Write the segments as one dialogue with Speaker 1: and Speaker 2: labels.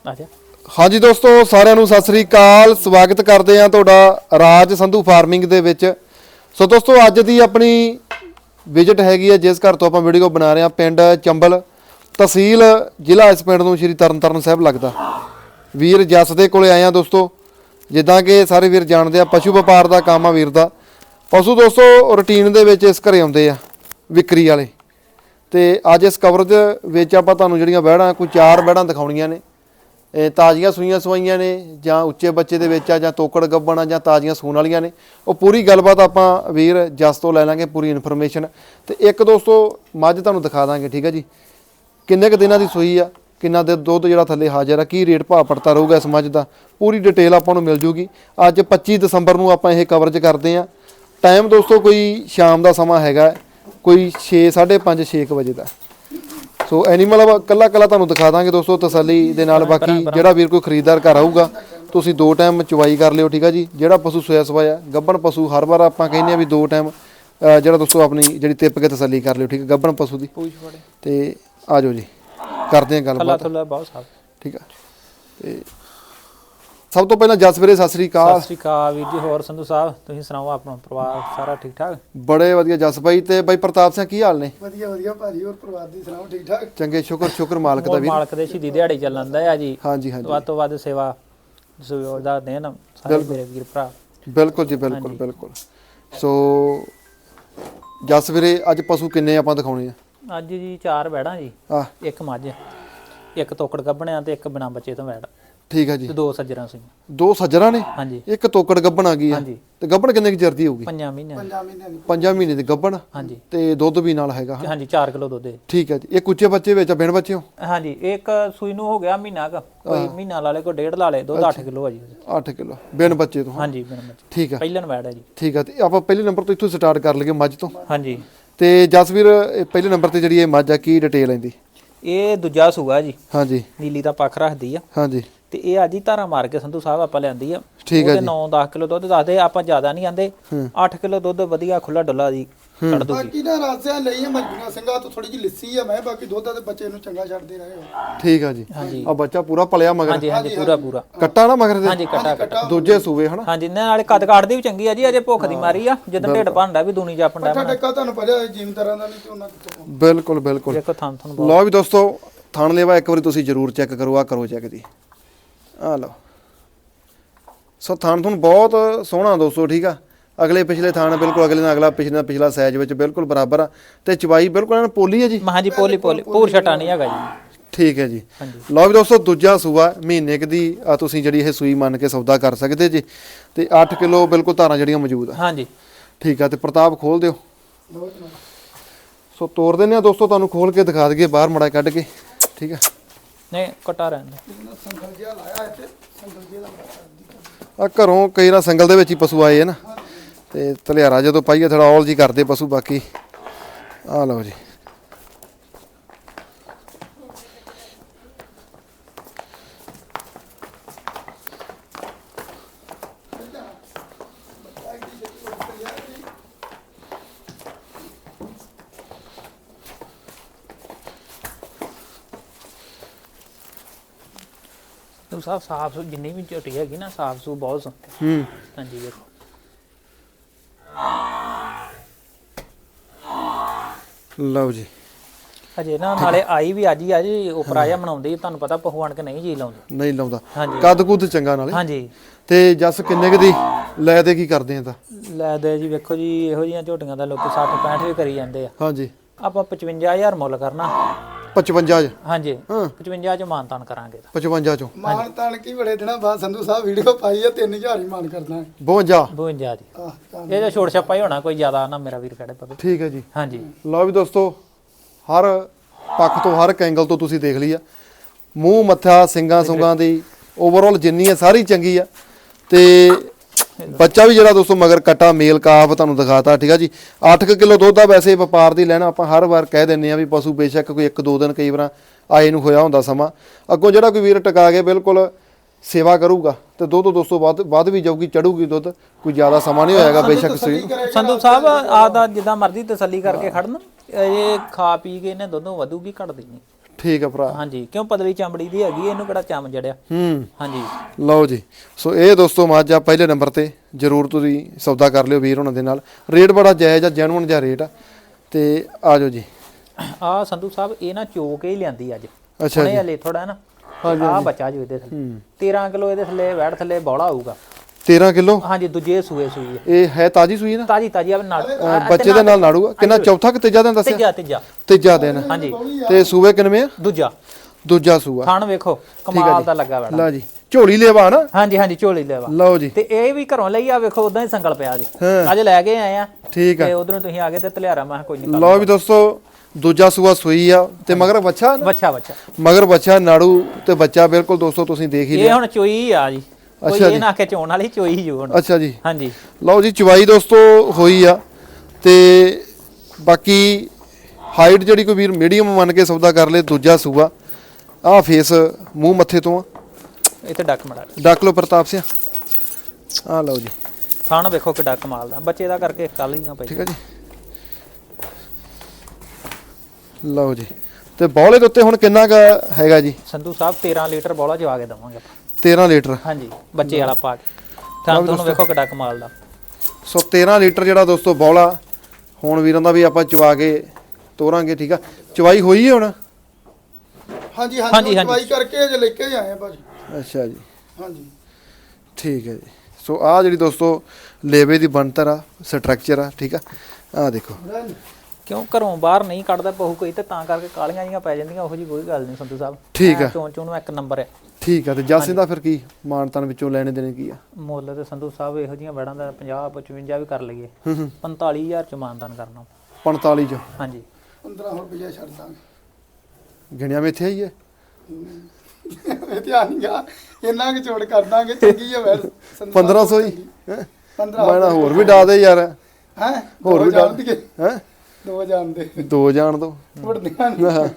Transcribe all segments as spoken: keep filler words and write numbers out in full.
Speaker 1: अच्छा
Speaker 2: हाँ जी दोस्तों साਰਿਆਂ ਨੂੰ ਸਤਿ ਸ੍ਰੀ ਅਕਾਲ ਸਵਾਗਤ ਕਰਦੇ ਆਂ ਤੁਹਾਡਾ ਰਾਜ ਸੰਧੂ ਫਾਰਮਿੰਗ ਦੇ ਵਿੱਚ। ਸੋ ਦੋਸਤੋ ਅੱਜ ਦੀ ਆਪਣੀ ਵਿਜ਼ਿਟ ਹੈਗੀ ਹੈ ਜਿਸ ਘਰ ਤੋਂ ਆਪਾਂ ਵੀਡੀਓ ਬਣਾ ਰਹੇ ਹਾਂ ਪਿੰਡ ਚੰਬਲ ਤਹਿਸੀਲ ਜ਼ਿਲ੍ਹਾ ਇਸ ਪਿੰਡ ਨੂੰ ਸ਼੍ਰੀ ਤਰਨਤਾਰਨ ਸਾਹਿਬ ਲੱਗਦਾ। ਵੀਰ ਜੱਸ ਦੇ ਕੋਲੇ ਆਏ ਆ ਦੋਸਤੋ। ਜਿੱਦਾਂ ਕਿ ਸਾਰੇ ਵੀਰ ਜਾਣਦੇ ਆ ਪਸ਼ੂ ਵਪਾਰ ਦਾ ਕੰਮ ਆ ਵੀਰ ਦਾ। ਪਸ਼ੂ ਦੋਸਤੋ ਰੂਟੀਨ ਦੇ ਵਿੱਚ ਇਸ ਘਰੇ ਆਉਂਦੇ ਆ ਵਿਕਰੀ ਵਾਲੇ। ਤੇ ਅੱਜ ਇਸ ਕਵਰ ਦੇ ਵਿੱਚ ਆਪਾਂ ਤੁਹਾਨੂੰ ਜਿਹੜੀਆਂ ਵਹਿੜਾਂ ਕੋਈ ਚਾਰ ਵਹਿੜਾਂ ਦਿਖਾਉਣੀਆਂ ਨੇ। ਤਾਜ਼ੀਆਂ ਸੂਈਆਂ ਸਵਾਈਆਂ ਨੇ ਜਾਂ ਉੱਚੇ ਬੱਚੇ ਦੇ ਵਿੱਚ ਆ ਜਾਂ ਤੋਕੜ ਗੱਬਣ ਆ ਜਾਂ ਤਾਜ਼ੀਆਂ ਸੂਣ ਵਾਲੀਆਂ ਨੇ। ਉਹ ਪੂਰੀ ਗੱਲਬਾਤ ਆਪਾਂ ਵੀਰ ਜਸ ਤੋਂ ਲੈ ਲਾਂਗੇ ਪੂਰੀ ਇਨਫੋਰਮੇਸ਼ਨ। ਤੇ ਇੱਕ ਦੋਸਤੋ ਮੱਝ ਤੁਹਾਨੂੰ ਦਿਖਾ ਦਾਂਗੇ ਠੀਕ ਹੈ ਜੀ। ਕਿੰਨੇ ਕੁ ਦਿਨਾਂ ਦੀ ਸੂਈ ਆ, ਕਿੰਨਾ ਦੇ ਦੁੱਧ ਜਿਹੜਾ ਥੱਲੇ ਹਾਜ਼ਰ ਆ, ਕੀ ਰੇਟ ਭਾਅ ਪੜਤਾ ਰਹੂਗਾ ਇਸ ਮੱਝ ਦਾ, ਪੂਰੀ ਡਿਟੇਲ ਆਪਾਂ ਨੂੰ ਮਿਲ ਜੂਗੀ। ਅੱਜ ਪੱਚੀ ਦਸੰਬਰ ਨੂੰ ਆਪਾਂ ਇਹ ਕਵਰੇਜ ਕਰਦੇ ਆ। ਟਾਈਮ ਦੋਸਤੋ ਕੋਈ ਸ਼ਾਮ ਦਾ ਸਮਾਂ ਹੈਗਾ, ਕੋਈ ਛੇ ਸਾਢੇ ਪੰਜ ਛੇ ਕੁ ਵਜੇ ਦਾ। ਸੋ ਐਨੀਮਲ ਕੱਲਾ ਕੱਲਾ ਤੁਹਾਨੂੰ ਦਿਖਾ ਦਾਂਗੇ ਦੋਸਤੋ ਤਸੱਲੀ ਦੇ ਨਾਲ। ਬਾਕੀ ਜਿਹੜਾ ਵੀਰ ਕੋਈ ਖਰੀਦਦਾਰ ਘਰ ਆਊਗਾ ਤੁਸੀਂ ਦੋ ਟਾਈਮ ਚਵਾਈ ਕਰ ਲਿਓ ਠੀਕ ਆ ਜੀ। ਜਿਹੜਾ ਪਸ਼ੂ ਸੋਇਆ ਸਵਾਇਆ ਗੱਭਣ ਪਸ਼ੂ ਹਰ ਵਾਰ ਆਪਾਂ ਕਹਿੰਦੇ ਆ ਵੀ ਦੋ ਟਾਈਮ ਜਿਹੜਾ ਦੋਸਤੋ ਆਪਣੀ ਜਿਹੜੀ ਤਿੱਪ ਕੇ ਤਸੱਲੀ ਕਰ ਲਿਓ ਠੀਕ ਹੈ ਗੱਭਣ ਪਸ਼ੂ ਦੀ। ਤੇ ਆ ਜਾਓ ਜੀ ਕਰਦੇ ਆ ਗੱਲਬਾਤ ਠੀਕ ਆ। ਤੇ ਸਭ ਤੋਂ ਪਹਿਲਾਂ ਜਸ ਵੀਰੇ ਸਤਿ ਸ੍ਰੀ ਅਕਾਲ।
Speaker 1: ਸਤਿ ਸ੍ਰੀ ਅਕਾਲ ਵੀਰ ਜੀ। ਹੋਰ ਸੰਧੂ ਸਾਹਿਬ ਤੁਸੀਂ ਸੁਣਾਓ ਆਪਣਾ ਪਰਿਵਾਰ ਸਾਰਾ ਠੀਕ ਠਾਕ?
Speaker 2: ਬੜੇ ਵਧੀਆ ਜਸ ਬਾਈ। ਤੇ ਬਾਈ ਪ੍ਰਤਾਪ ਸਿੰਘ ਕੀ ਹਾਲ ਨੇ?
Speaker 3: ਵਧੀਆ ਵਧੀਆ ਭਾਜੀ। ਹੋਰ ਪਰਿਵਾਰ ਦੀ ਸੁਣਾਓ ਠੀਕ ਠਾਕ?
Speaker 2: ਚੰਗੇ ਸ਼ੁਕਰ ਸ਼ੁਕਰ ਮਾਲਕ ਦਾ ਵੀਰ।
Speaker 1: ਮਾਲਕ ਦੇ ਸ਼ਹੀਦੀ ਦਿਹਾੜੀ ਚੱਲਣ ਦਾ ਆ ਜੀ।
Speaker 2: ਹਾਂਜੀ ਹਾਂਜੀ
Speaker 1: ਵੱਧ ਤੋਂ ਵੱਧ ਸੇਵਾ ਦਾ ਦੇਣ ਸਾਰੇ ਮੇਰੇ ਵੀਰ ਭਰਾ।
Speaker 2: ਬਿਲਕੁਲ ਜੀ ਬਿਲਕੁਲ ਬਿਲਕੁਲ। ਸੋ ਜਸ ਵੀਰੇ ਅੱਜ ਪਸ਼ੂ ਕਿੰਨੇ ਆਪਾਂ ਦਿਖਾਉਣੇ ਆ?
Speaker 1: ਅੱਜ ਜੀ ਚਾਰ ਵੈੜਾਂ ਜੀ,
Speaker 2: ਆ
Speaker 1: ਇੱਕ ਮੱਝ, ਇੱਕ ਤੋਕੜ ਗੱਭਣਿਆ ਤੇ ਇੱਕ ਬਿਨਾ ਬੱਚੇ ਤੋਂ ਵੈੜ।
Speaker 2: ਠੀਕ ਹੈ ਜੀ।
Speaker 1: ਤੇ ਦੋ ਸੱਜਰਾਂ ਸੀ।
Speaker 2: ਦੋ ਸੱਜਰਾਂ ਨੇ?
Speaker 1: ਹਾਂਜੀ।
Speaker 2: ਇੱਕ ਤੋਕੜ ਗੱਭਣ ਆ ਗਈ ਆ।
Speaker 1: ਹਾਂਜੀ।
Speaker 2: ਤੇ ਗੱਭਣ ਕਿੰਨੇ ਕੀ ਚਿਰ ਦੀ ਹੋਊਗੀ?
Speaker 1: ਪੰਜਾਂ ਮਹੀਨਿਆਂ ਦੀ।
Speaker 3: ਪੰਜਾਂ ਮਹੀਨਿਆਂ ਦੀ।
Speaker 2: ਪੰਜਾਂ ਮਹੀਨੇ ਦੀ ਗੱਭਣ।
Speaker 1: ਹਾਂਜੀ।
Speaker 2: ਤੇ ਦੁੱਧ ਵੀ ਨਾਲ ਹੈਗਾ?
Speaker 1: ਹਾਂਜੀ ਚਾਰ ਕਿਲੋ ਦੁੱਧ ਹੈ।
Speaker 2: ਠੀਕ ਹੈ ਜੀ। ਇੱਕ ਉੱਚੇ ਬੱਚੇ ਵਿੱਚ ਬਿਨ ਬੱਚੇ ਹੋ?
Speaker 1: ਹਾਂਜੀ ਇੱਕ ਸੂਈ ਨੂੰ ਹੋ ਗਿਆ ਮਹੀਨਾ ਕ, ਕੋਈ ਮਹੀਨਾ ਲਾ ਲੇ ਕੋਈ ਡੇਢ ਲਾ ਲੇ। ਦੁੱਧ ਅੱਠ ਕਿਲੋ ਆ ਜੀ।
Speaker 2: ਅੱਠ ਕਿਲੋ ਬਿਨ ਬੱਚੇ ਤੋਂ?
Speaker 1: ਹਾਂਜੀ ਬਿਨ ਬੱਚੇ।
Speaker 2: ਠੀਕ ਹੈ
Speaker 1: ਪਹਿਲਨ ਵੈੜ ਹੈ ਜੀ।
Speaker 2: ਠੀਕ ਹੈ। ਤੇ ਆਪਾਂ ਪਹਿਲੇ ਨੰਬਰ ਤੋਂ ਇੱਥੋਂ ਸਟਾਰਟ ਕਰ ਲਈਏ ਮੱਝ ਤੋਂ।
Speaker 1: ਹਾਂਜੀ।
Speaker 2: ਤੇ ਜਸਵੀਰ ਪਹਿਲੇ ਨੰਬਰ ਤੇ ਜਿਹੜੀ ਇਹ ਮੱਝ ਆ ਕੀ ਡਿਟੇਲ ਆਂਦੀ?
Speaker 1: ਇਹ ਦੂਜਾ ਸੂਆ ਜੀ।
Speaker 2: ਹਾਂਜੀ।
Speaker 1: ਨੀਲੀ ਦਾ ਪੱਖ ਰੱਖਦੀ ਆ।
Speaker 2: ਹਾਂਜੀ।
Speaker 1: ਤੇ ਇਹ ਅੱਜ ਹੀ ਧਾਰਾ ਮਾਰ ਕੇ ਸੰਧੂ ਸਾਹਿਬ ਆਪਾਂ ਲਿਆਂਦੀ ਆ।
Speaker 2: ਠੀਕ ਹੈ ਜੀ।
Speaker 1: ਨੌ ਦਸ ਕਿਲੋ ਦੁੱਧ ਦੱਸਦੇ ਆਪਾਂ, ਜ਼ਿਆਦਾ ਨਹੀਂ ਆਂਦੇ। ਅੱਠ ਕਿਲੋ ਦੁੱਧ ਵਧੀਆ ਖੁੱਲਾ ਡੁੱਲਾ ਦੀ ਕੱਢ ਦੂਗੀ।
Speaker 3: ਬਾਕੀ ਨਾ ਰਾਸਿਆਂ ਲਈ ਮਜਬੂਰੀਆਂ ਸਿੰਘਾਂ ਤੋਂ ਥੋੜੀ ਜਿਹੀ ਲਿੱਸੀ ਆ ਮੈਂ। ਬਾਕੀ ਦੁੱਧ ਦੇ ਬੱਚੇ ਨੂੰ ਚੰਗਾ ਛੱਡਦੇ ਰਹੇ ਹੋ।
Speaker 2: ਠੀਕ ਆ ਜੀ।
Speaker 1: ਹਾਂਜੀ।
Speaker 2: ਆ ਬੱਚਾ ਪੂਰਾ ਪਲਿਆ ਮਗਰ?
Speaker 1: ਹਾਂਜੀ ਹਾਂਜੀ ਪੂਰਾ ਪੂਰਾ
Speaker 2: ਕੱਟਾ ਨਾ ਮਗਰ ਦੇ?
Speaker 1: ਹਾਂਜੀ ਕੱਟਾ ਕੱਟਾ।
Speaker 2: ਦੂਜੇ ਸੂਵੇ ਹਨਾ?
Speaker 1: ਹਾਂਜੀ ਨਾਲੇ ਕੱਦ ਕਾਠ ਦੀ ਵੀ ਚੰਗੀ ਆ ਜੀ। ਅਜੇ ਭੁੱਖ ਦੀ ਮਾਰੀ ਆ, ਜਦੋਂ ਢਿੱਡ ਭੰਡਾ ਵੀ ਦੂਣੀ ਜਾਪਣ ਦਾ।
Speaker 3: ਪੱਠਾ ਟੱਕਾ ਤੁਹਾਨੂੰ ਪਤਾ ਜ਼ਿਮੀਂਦਾਰਾਂ ਦਾ ਨਹੀਂ ਤੇ ਉਹਨਾਂ ਕਿੱਥੋਂ।
Speaker 2: ਬਿਲਕੁਲ ਬਿਲਕੁਲ।
Speaker 1: ਦੇਖੋ ਥਾਂ ਤੁਹਾਨੂੰ
Speaker 2: ਲਓ ਵੀ ਦੋਸਤੋ ਥਣ ਲੈਵਾ ਇੱਕ ਵਾਰੀ ਤੁਸੀਂ ਜ਼ਰੂਰ ਚੈੱਕ ਕਰੋ। ਆ ਕਰੋ ਚੈੱਕ ਜੀ। ਆ ਲਓ। ਸੋ ਥਣ ਤੁਹਾਨੂੰ ਬਹੁਤ ਸੋਹਣਾ ਦੋਸਤੋ ਠੀਕ ਆ। ਅਗਲੇ ਪਿਛਲੇ ਥਾਣ ਬਿਲਕੁਲ ਅਗਲੇ ਨਾਲ ਅਗਲਾ ਪਿਛਲੇ ਨਾਲ ਪਿਛਲਾ ਸਾਈਜ਼ ਵਿੱਚ ਬਿਲਕੁਲ ਬਰਾਬਰ ਆ। ਤੇ ਚਵਾਈ ਬਿਲਕੁਲ ਐਨ ਪੋਲੀ ਹੈ ਜੀ।
Speaker 1: ਹਾਂਜੀ ਪੋਲੀ ਪੋਲੀ ਪੂਰ ਛਟਾ ਨਹੀਂ ਹੈਗਾ ਜੀ।
Speaker 2: ਠੀਕ ਹੈ ਜੀ। ਲਓ ਵੀ ਦੋਸਤੋ ਦੂਜਾ ਸੂਆ ਮਹੀਨੇ ਕ ਦੀ ਆ ਤੁਸੀਂ ਜਿਹੜੀ ਇਹ ਸੂਈ ਮੰਨ ਕੇ ਸੌਦਾ ਕਰ ਸਕਦੇ ਜੀ। ਤੇ ਅੱਠ ਕਿਲੋ ਬਿਲਕੁਲ ਧਾਰਾਂ ਜਿਹੜੀਆਂ ਮੌਜੂਦ ਆ।
Speaker 1: ਹਾਂਜੀ
Speaker 2: ਠੀਕ ਆ। ਤੇ ਪ੍ਰਤਾਪ ਖੋਲ ਦਿਓ। ਸੋ ਤੋੜ ਦਿੰਦੇ ਆ ਦੋਸਤੋ ਤੁਹਾਨੂੰ ਖੋਲ ਕੇ ਦਿਖਾ ਦਈਏ ਬਾਹਰ ਮੜਾ ਕੱਢ ਕੇ ਠੀਕ ਆ।
Speaker 1: ਨਹੀਂ ਕਟਾ ਰਹਿੰਦਾ
Speaker 3: ਸੰਗਲ ਜਿਹਾ ਲਾਇਆ ਇੱਥੇ। ਸੰਗਲ ਜਿਹਾ
Speaker 2: ਆ ਘਰੋਂ ਕਈ ਵਾਰ ਸੰਗਲ ਦੇ ਵਿੱਚ ਹੀ ਪਸ਼ੂ ਆਏ ਹੈ ਨਾ। ਤੇ ਧਲਿਆਰਾ ਜਦੋਂ ਪਾਈਏ ਥੋੜਾ ਔਲ ਜੀ ਕਰਦੇ ਪਸ਼ੂ। ਬਾਕੀ ਆ ਲਓ ਜੀ।
Speaker 1: ਸਾਫ ਸਾਫ ਜਿੰਨੀ ਵੀ ਝੋਟੀ ਹੈਗੀ ਨਾ ਸਾਫ ਸੂ ਬਹੁਤ।
Speaker 2: ਹੂੰ
Speaker 1: ਹਾਂਜੀ ਦੇਖੋ
Speaker 2: ਲਓ ਜੀ।
Speaker 1: ਅਜੇ ਨਾ ਨਾਲੇ ਆਈ ਵੀ ਅੱਜ ਹੀ ਅੱਜ ਉਪਰਾਇਆ ਬਣਾਉਂਦੀ। ਤੁਹਾਨੂੰ ਪਤਾ ਪਹਵਾਨ ਕੇ ਨਹੀਂ ਜੀ ਲਾਉਂਦੇ।
Speaker 2: ਨਹੀਂ ਲਾਉਂਦਾ।
Speaker 1: ਹਾਂਜੀ
Speaker 2: ਕੱਦ ਕੁੱਦ ਚੰਗਾ ਨਾਲੇ।
Speaker 1: ਹਾਂਜੀ।
Speaker 2: ਤੇ ਜਸ ਕਿੰਨੇ ਕੁ ਦੀ ਲੈ ਦੇ ਕੀ ਕਰਦੇ ਆ ਤਾਂ?
Speaker 1: ਲੈ ਦੇ ਜੀ ਵੇਖੋ ਜੀ ਇਹੋ ਜਿਹੀਆਂ ਝੋਟੀਆਂ ਦਾ ਲੋਕੀ ਸੱਠ ਪੈਂਹਠ ਵੀ ਕਰੀ ਜਾਂਦੇ ਆ।
Speaker 2: ਹਾਂਜੀ।
Speaker 1: ਆਪਾਂ ਪਚਵੰਜਾ ਹਜ਼ਾਰ ਮੁੱਲ ਕਰਨਾ।
Speaker 2: ਪਚਵੰਜਾ ਚ?
Speaker 1: ਹਾਂਜੀ
Speaker 2: ਹਾਂ
Speaker 1: ਪਚਵੰਜਾ ਚ ਮਾਨਤਾਨ ਕਰਾਂਗੇ।
Speaker 2: ਪਚਵੰਜਾ ਚੋਂ
Speaker 3: ਮਾਨ ਤਾਨ ਕੀ ਬੜੇ ਦਿਨਾਂ ਬਾਅਦ ਸੰਧੂ ਸਾਹਿਬ ਵੀਡੀਓ ਪਾਈ ਆ। ਤਿੰਨ ਹਜ਼ਾਰ ਹੀ ਮਾਨ ਕਰਦਾ।
Speaker 2: ਬਵੰਜਾ?
Speaker 1: ਬਵੰਜਾ ਜੀ।
Speaker 3: ਆਹ
Speaker 1: ਇਹ ਤਾਂ ਛੋੜ ਛੱਪਾ ਹੀ ਹੋਣਾ ਕੋਈ ਜ਼ਿਆਦਾ ਨਾ ਮੇਰਾ ਵੀਰ ਕਹੜੇ ਪਵੇ।
Speaker 2: ਠੀਕ ਹੈ ਜੀ।
Speaker 1: ਹਾਂਜੀ।
Speaker 2: ਲਓ ਵੀ ਦੋਸਤੋ ਹਰ ਪੱਖ ਤੋਂ ਹਰ ਐਂਗਲ ਤੋਂ ਤੁਸੀਂ ਦੇਖ ਲਈ ਆ। ਮੂੰਹ ਮੱਥਾ ਸਿੰਗਾਂ ਸੁੰਗਾਂ ਦੀ ਓਵਰਆਲ ਜਿੰਨੀ ਆ ਸਾਰੀ ਚੰਗੀ ਆ। ਤੇ ਬੱਚਾ ਵੀ ਜਿਹੜਾ ਦੋਸਤੋ ਮਗਰ ਕੱਟਾ ਮੇਲ ਕਾਫ ਤੁਹਾਨੂੰ ਦਿਖਾਤਾ ਠੀਕ ਆ ਜੀ। ਅੱਠ ਕਿਲੋ ਦੁੱਧ ਆ। ਵੈਸੇ ਵਪਾਰ ਦੀ ਲੈਣਾ ਆਪਾਂ ਹਰ ਵਾਰ ਕਹਿ ਦਿੰਦੇ ਆ ਵੀ ਪਸ਼ੂ ਬੇਸ਼ੱਕ ਕੋਈ ਇੱਕ ਦੋ ਦਿਨ ਕਈ ਵਾਰ ਆਏ ਨੂੰ ਹੋਇਆ ਹੁੰਦਾ ਸਮਾਂ। ਅੱਗੋਂ ਜਿਹੜਾ ਕੋਈ ਵੀਰ ਟਕਾ ਕੇ ਬਿਲਕੁਲ ਸੇਵਾ ਕਰੂਗਾ ਤੇ ਦੁੱਧ ਦੋਸਤੋ ਵੱਧ ਵੱਧ ਵੀ ਜਾਊਗੀ ਚੜੂਗੀ ਦੁੱਧ। ਕੋਈ ਜ਼ਿਆਦਾ ਸਮਾਂ ਨਹੀਂ ਹੋਏਗਾ ਬੇਸ਼ੱਕ ਸਹੀ।
Speaker 1: ਸੰਧੂ ਸਾਹਿਬ ਆਪਦਾ ਜਿੱਦਾਂ ਮਰਜ਼ੀ ਤਸੱਲੀ ਕਰਕੇ ਖੜਨ। ਇਹ ਖਾ ਪੀ ਕੇ ਇਹਨੇ ਦੁੱਧੋਂ ਵਧੂਗੀ ਘਟਦੀ ਨਹੀਂ।
Speaker 2: ਠੀਕ ਆ ਭਰਾ
Speaker 1: ਹਾਂਜੀ ਕਿਉਂ ਪਤਲੀ ਚਮੜੀ ਦੀ ਹੈਗੀ ਇਹਨੂੰ ਕਿਹੜਾ ਚਮ ਜੜਿਆ
Speaker 2: ਹੂੰ
Speaker 1: ਹਾਂਜੀ
Speaker 2: ਲਓ ਜੀ ਸੋ ਇਹ ਦੋਸਤੋ ਮੱਝ ਆ ਪਹਿਲੇ ਨੰਬਰ ਤੇ ਜਰੂਰ ਤੁਸੀਂ ਸੌਦਾ ਕਰ ਲਿਓ ਵੀਰ ਉਹਨਾਂ ਦੇ ਨਾਲ ਰੇਟ ਬੜਾ ਜਾਇਜ਼ ਆ ਜੈਨੂਨ ਜਿਹਾ ਰੇਟ ਆ ਤੇ ਆ ਜਾਓ ਜੀ
Speaker 1: ਆ ਸੰਧੂ ਸਾਹਿਬ ਇਹ ਨਾ ਚੋ ਕੇ ਹੀ ਲਿਆਂਦੀ ਅੱਜ
Speaker 2: ਅੱਛਾ
Speaker 1: ਹੁਣੇ
Speaker 2: ਜੀ
Speaker 1: ਹਲੇ ਥੋੜਾ ਨਾ ਆ ਬੱਚਾ ਜੋ ਇਹਦੇ ਥੱਲੇ ਤੇਰਾਂ ਕਿਲੋ ਇਹਦੇ ਥੱਲੇ ਵੈੜ ਥੱਲੇ ਬੌਲਾ ਹੋਊਗਾ
Speaker 2: ਤੇਰਾਂ ਕਿਲੋ
Speaker 1: ਹਾਂਜੀ ਦੂਜੇ ਸੂਏ ਸੂਈ ਹੈ
Speaker 2: ਇਹ ਹੈ ਤਾਜੀ ਸੂਈ ਨਾ
Speaker 1: ਤਾਜੀ ਤਾਜੀ ਆ ਨਾਲ
Speaker 2: ਅਹ ਬੱਚੇ ਦੇ ਨਾਲ ਨਾੜੂਗਾ ਕਿੰਨਾ ਚੌਥਾ ਕਿ ਤੀਜਾ ਦਿਨ ਦੱਸਿਆ
Speaker 1: ਤੀਜਾ ਤੀਜਾ
Speaker 2: ਤੀਜਾ ਦਿਨ
Speaker 1: ਹਾਂਜੀ
Speaker 2: ਤੇ ਸੂਏ ਕਿੰਨਵੇਂ ਆ
Speaker 1: ਦੂਜਾ
Speaker 2: ਦੂਜਾ ਸੂਆ
Speaker 1: ਥਣ ਵੇਖੋ ਕਮਾਲ ਦਾ ਲੱਗਾ ਵੈੜਾ
Speaker 2: ਲਓ ਜੀ ਝੋਲੀ ਲੇਵਾ ਨਾ
Speaker 1: ਹਾਂਜੀ ਹਾਂਜੀ ਝੋਲੀ ਲੈਵਾ
Speaker 2: ਲਓ ਜੀ
Speaker 1: ਤੇ ਇਹ ਵੀ ਘਰੋਂ ਲਈ ਆ ਵੇਖੋ ਉਦਾਂ ਹੀ ਸੰਗਲ ਪਿਆ ਜੀ
Speaker 2: ਹਾਂ।
Speaker 1: ਅੱਜ ਲੈ ਕੇ ਆਏ ਆ
Speaker 2: ਠੀਕ ਆ
Speaker 1: ਤੇ ਉਧਰੋਂ ਤੁਸੀਂ ਆ ਗਏ ਤੇ ਧਲਿਆਰਾ ਮੈਂ ਕਿਹਾ ਕੋਈ ਨਹੀਂ
Speaker 2: ਲਓ ਵੀ ਦੋਸਤੋ ਦੂਜਾ ਸੂਆ ਸੂਈ ਆ ਤੇ ਮਗਰ ਬੱਚਾ ਨਾ
Speaker 1: ਬੱਚਾ ਬੱਚਾ
Speaker 2: ਮਗਰ ਬੱਚਾ ਨਾੜੂ ਤੇ ਬੱਚਾ ਬਿਲਕੁਲ ਦੋਸਤੋ ਤੁਸੀਂ ਦੇਖ ਹੀ
Speaker 1: ਇਹ
Speaker 2: ਲਿਆ
Speaker 1: ਹੁਣ ਚੋਈ ਆ ਜੀ ਕੋਈ
Speaker 2: ਅੱਛਾ
Speaker 1: ਇਹ ਨਾ ਕਿ ਚੋਣ ਵਾਲੀ ਚੋਈ ਜੋ ਹੁਣ
Speaker 2: ਅੱਛਾ ਜੀ
Speaker 1: ਹਾਂਜੀ
Speaker 2: ਲਓ ਜੀ ਚਵਾਈ ਦੋਸਤੋ ਹੋਈ ਆ ਤੇ ਬਾਕੀ ਹਾਈਟ ਜਿਹੜੀ ਕੋਈ ਵੀਰ ਮੀਡੀਅਮ ਮੰਨ ਕੇ ਸੌਦਾ ਕਰ ਲੇ ਦੂਜਾ ਸੂਆ ਆਹ ਫੇਸ ਮੂੰਹ ਮੱਥੇ ਤੋਂ ਆ
Speaker 1: ਇੱਥੇ ਡੱਕ ਮੜਾ
Speaker 2: ਡੱਕ ਲਓ ਪ੍ਰਤਾਪ ਸਿਆ ਆ ਲਓ ਜੀ
Speaker 1: ਥਣ ਵੇਖੋ ਕਿੱਡਾ ਕਮਾਲ ਦਾ ਬੱਚੇ ਦਾ ਕਰਕੇ ਕੱਲ ਹੀ ਨਾ ਪਈ
Speaker 2: ਠੀਕ ਹੈ ਜੀ ਲਓ ਜੀ ਤੇ ਬੌਲੇ ਦੇ ਉੱਤੇ ਹੁਣ ਕਿੰਨਾ ਕੁ ਹੈਗਾ ਜੀ
Speaker 1: ਸੰਧੂ ਸਾਹਿਬ ਤੇਰਾਂ ਲੀਟਰ ਬੋਲਾ ਜਵਾ ਕੇ ਦਵਾਂਗੇ ਆਪਾਂ
Speaker 2: ਤੇਰਾਂ ਲੀਟਰ
Speaker 1: ਹਾਂਜੀ ਬੱਚੇ ਵਾਲਾ ਪਾ ਕੇ ਥਣ ਤੁਹਾਨੂੰ ਵੇਖੋ ਕਿੱਡਾ ਕਮਾਲ ਦਾ
Speaker 2: ਸੋ ਤੇਰਾਂ ਲੀਟਰ ਜਿਹੜਾ ਦੋਸਤੋ ਬੌਲਾ ਹੁਣ ਵੀਰਾਂ ਦਾ ਵੀ ਆਪਾਂ ਚਵਾ ਕੇ ਤੋਰਾਂਗੇ ਠੀਕ ਆ ਚਵਾਈ ਹੋਈ ਹੈ ਹੁਣ
Speaker 3: ਹਾਂਜੀ
Speaker 1: ਹਾਂਜੀ,
Speaker 3: ਹਾਂਜੀ
Speaker 1: ਹਾਂਜੀ।
Speaker 3: ਦਵਾਈ ਕਰਕੇ ਅਜੇ ਲੈ ਕੇ ਹੀ ਆਏ ਆ ਭਾਜੀ
Speaker 2: ਅੱਛਾ ਜੀ
Speaker 3: ਹਾਂਜੀ
Speaker 2: ਠੀਕ ਹੈ ਜੀ ਸੋ ਆ ਜਿਹੜੀ ਦੋਸਤੋ ਲੇਵੇ ਦੀ ਬਣਤਰ ਆ ਸਟਰਕਚਰ ਆ ਠੀਕ ਆ ਆ ਦੇਖੋ
Speaker 1: ਕਿਉਂ ਘਰੋਂ ਬਾਹਰ ਨਹੀਂ ਕੱਢਦਾ ਪਹੂ ਕੋਈ ਤੇ ਤਾਂ ਕਰਕੇ ਕਾਲੀਆਂ ਜੀਆਂ ਪੈ ਜਾਂਦੀਆਂ ਉਹੋ ਜੀ ਕੋਈ ਗੱਲ ਨਹੀਂ ਸੰਧੂ ਸਾਹਿਬ
Speaker 2: ਠੀਕ ਆ
Speaker 1: ਚੋਣ ਚੋਣ ਇੱਕ ਨੰਬਰ ਹੈ
Speaker 2: ਠੀਕ ਆ ਤੇ ਜੱਸ ਇਹਦਾ ਫਿਰ ਕੀ ਮਾਨਤਨ ਵਿੱਚੋਂ ਲੈਣੇ ਦੇਣੇ ਕੀ ਆ
Speaker 1: ਮੁੱਲ ਤੇ ਸੰਧੂ ਸਾਹਿਬ ਇਹੋ ਜੀਆਂ ਵੜਾਂ ਦਾ ਪੰਜਾਹ ਪਚਵੰਜਾ ਵੀ ਕਰ ਲਈਏ
Speaker 2: ਹੂੰ ਹੂੰ
Speaker 1: ਪੰਤਾਲੀ ਹਜ਼ਾਰ ਚ ਮਾਨਦਾਨ ਕਰਨਾ
Speaker 2: ਪੰਤਾਲੀ ਚ
Speaker 1: ਹਾਂਜੀ
Speaker 3: ਪੰਦਰਾਂ ਰੁਪਏ ਛੱਡ ਦਾਂਗੇ
Speaker 2: ਗਿਣਿਆ ਮੈਂ ਇੱਥੇ ਆਈ ਹੈ
Speaker 3: ਇਹ ਧਿਆਨ ਨਹੀਂ ਗਾ ਇੰਨਾ ਕਿ ਚੋੜ ਕਰ ਦਾਂਗੇ ਚੰਗੀ ਆ ਵੈਰ
Speaker 2: ਪੰਦਰਾਂ ਸੌ ਹੀ ਹੈਂ?
Speaker 3: ਪੰਦਰਾਂ
Speaker 2: ਮੈਂ ਨਾ ਹੋਰ ਵੀ ਡਾ ਦੇ ਯਾਰ
Speaker 3: ਹੈ
Speaker 2: ਹੋਰ ਵੀ
Speaker 3: ਜਾਣ ਦੇ
Speaker 2: ਹੈ
Speaker 3: ਦੋ ਜਾਣਦੇ
Speaker 2: ਦੋ ਜਾਣ ਦੋ
Speaker 3: ਵੜਦੀਆਂ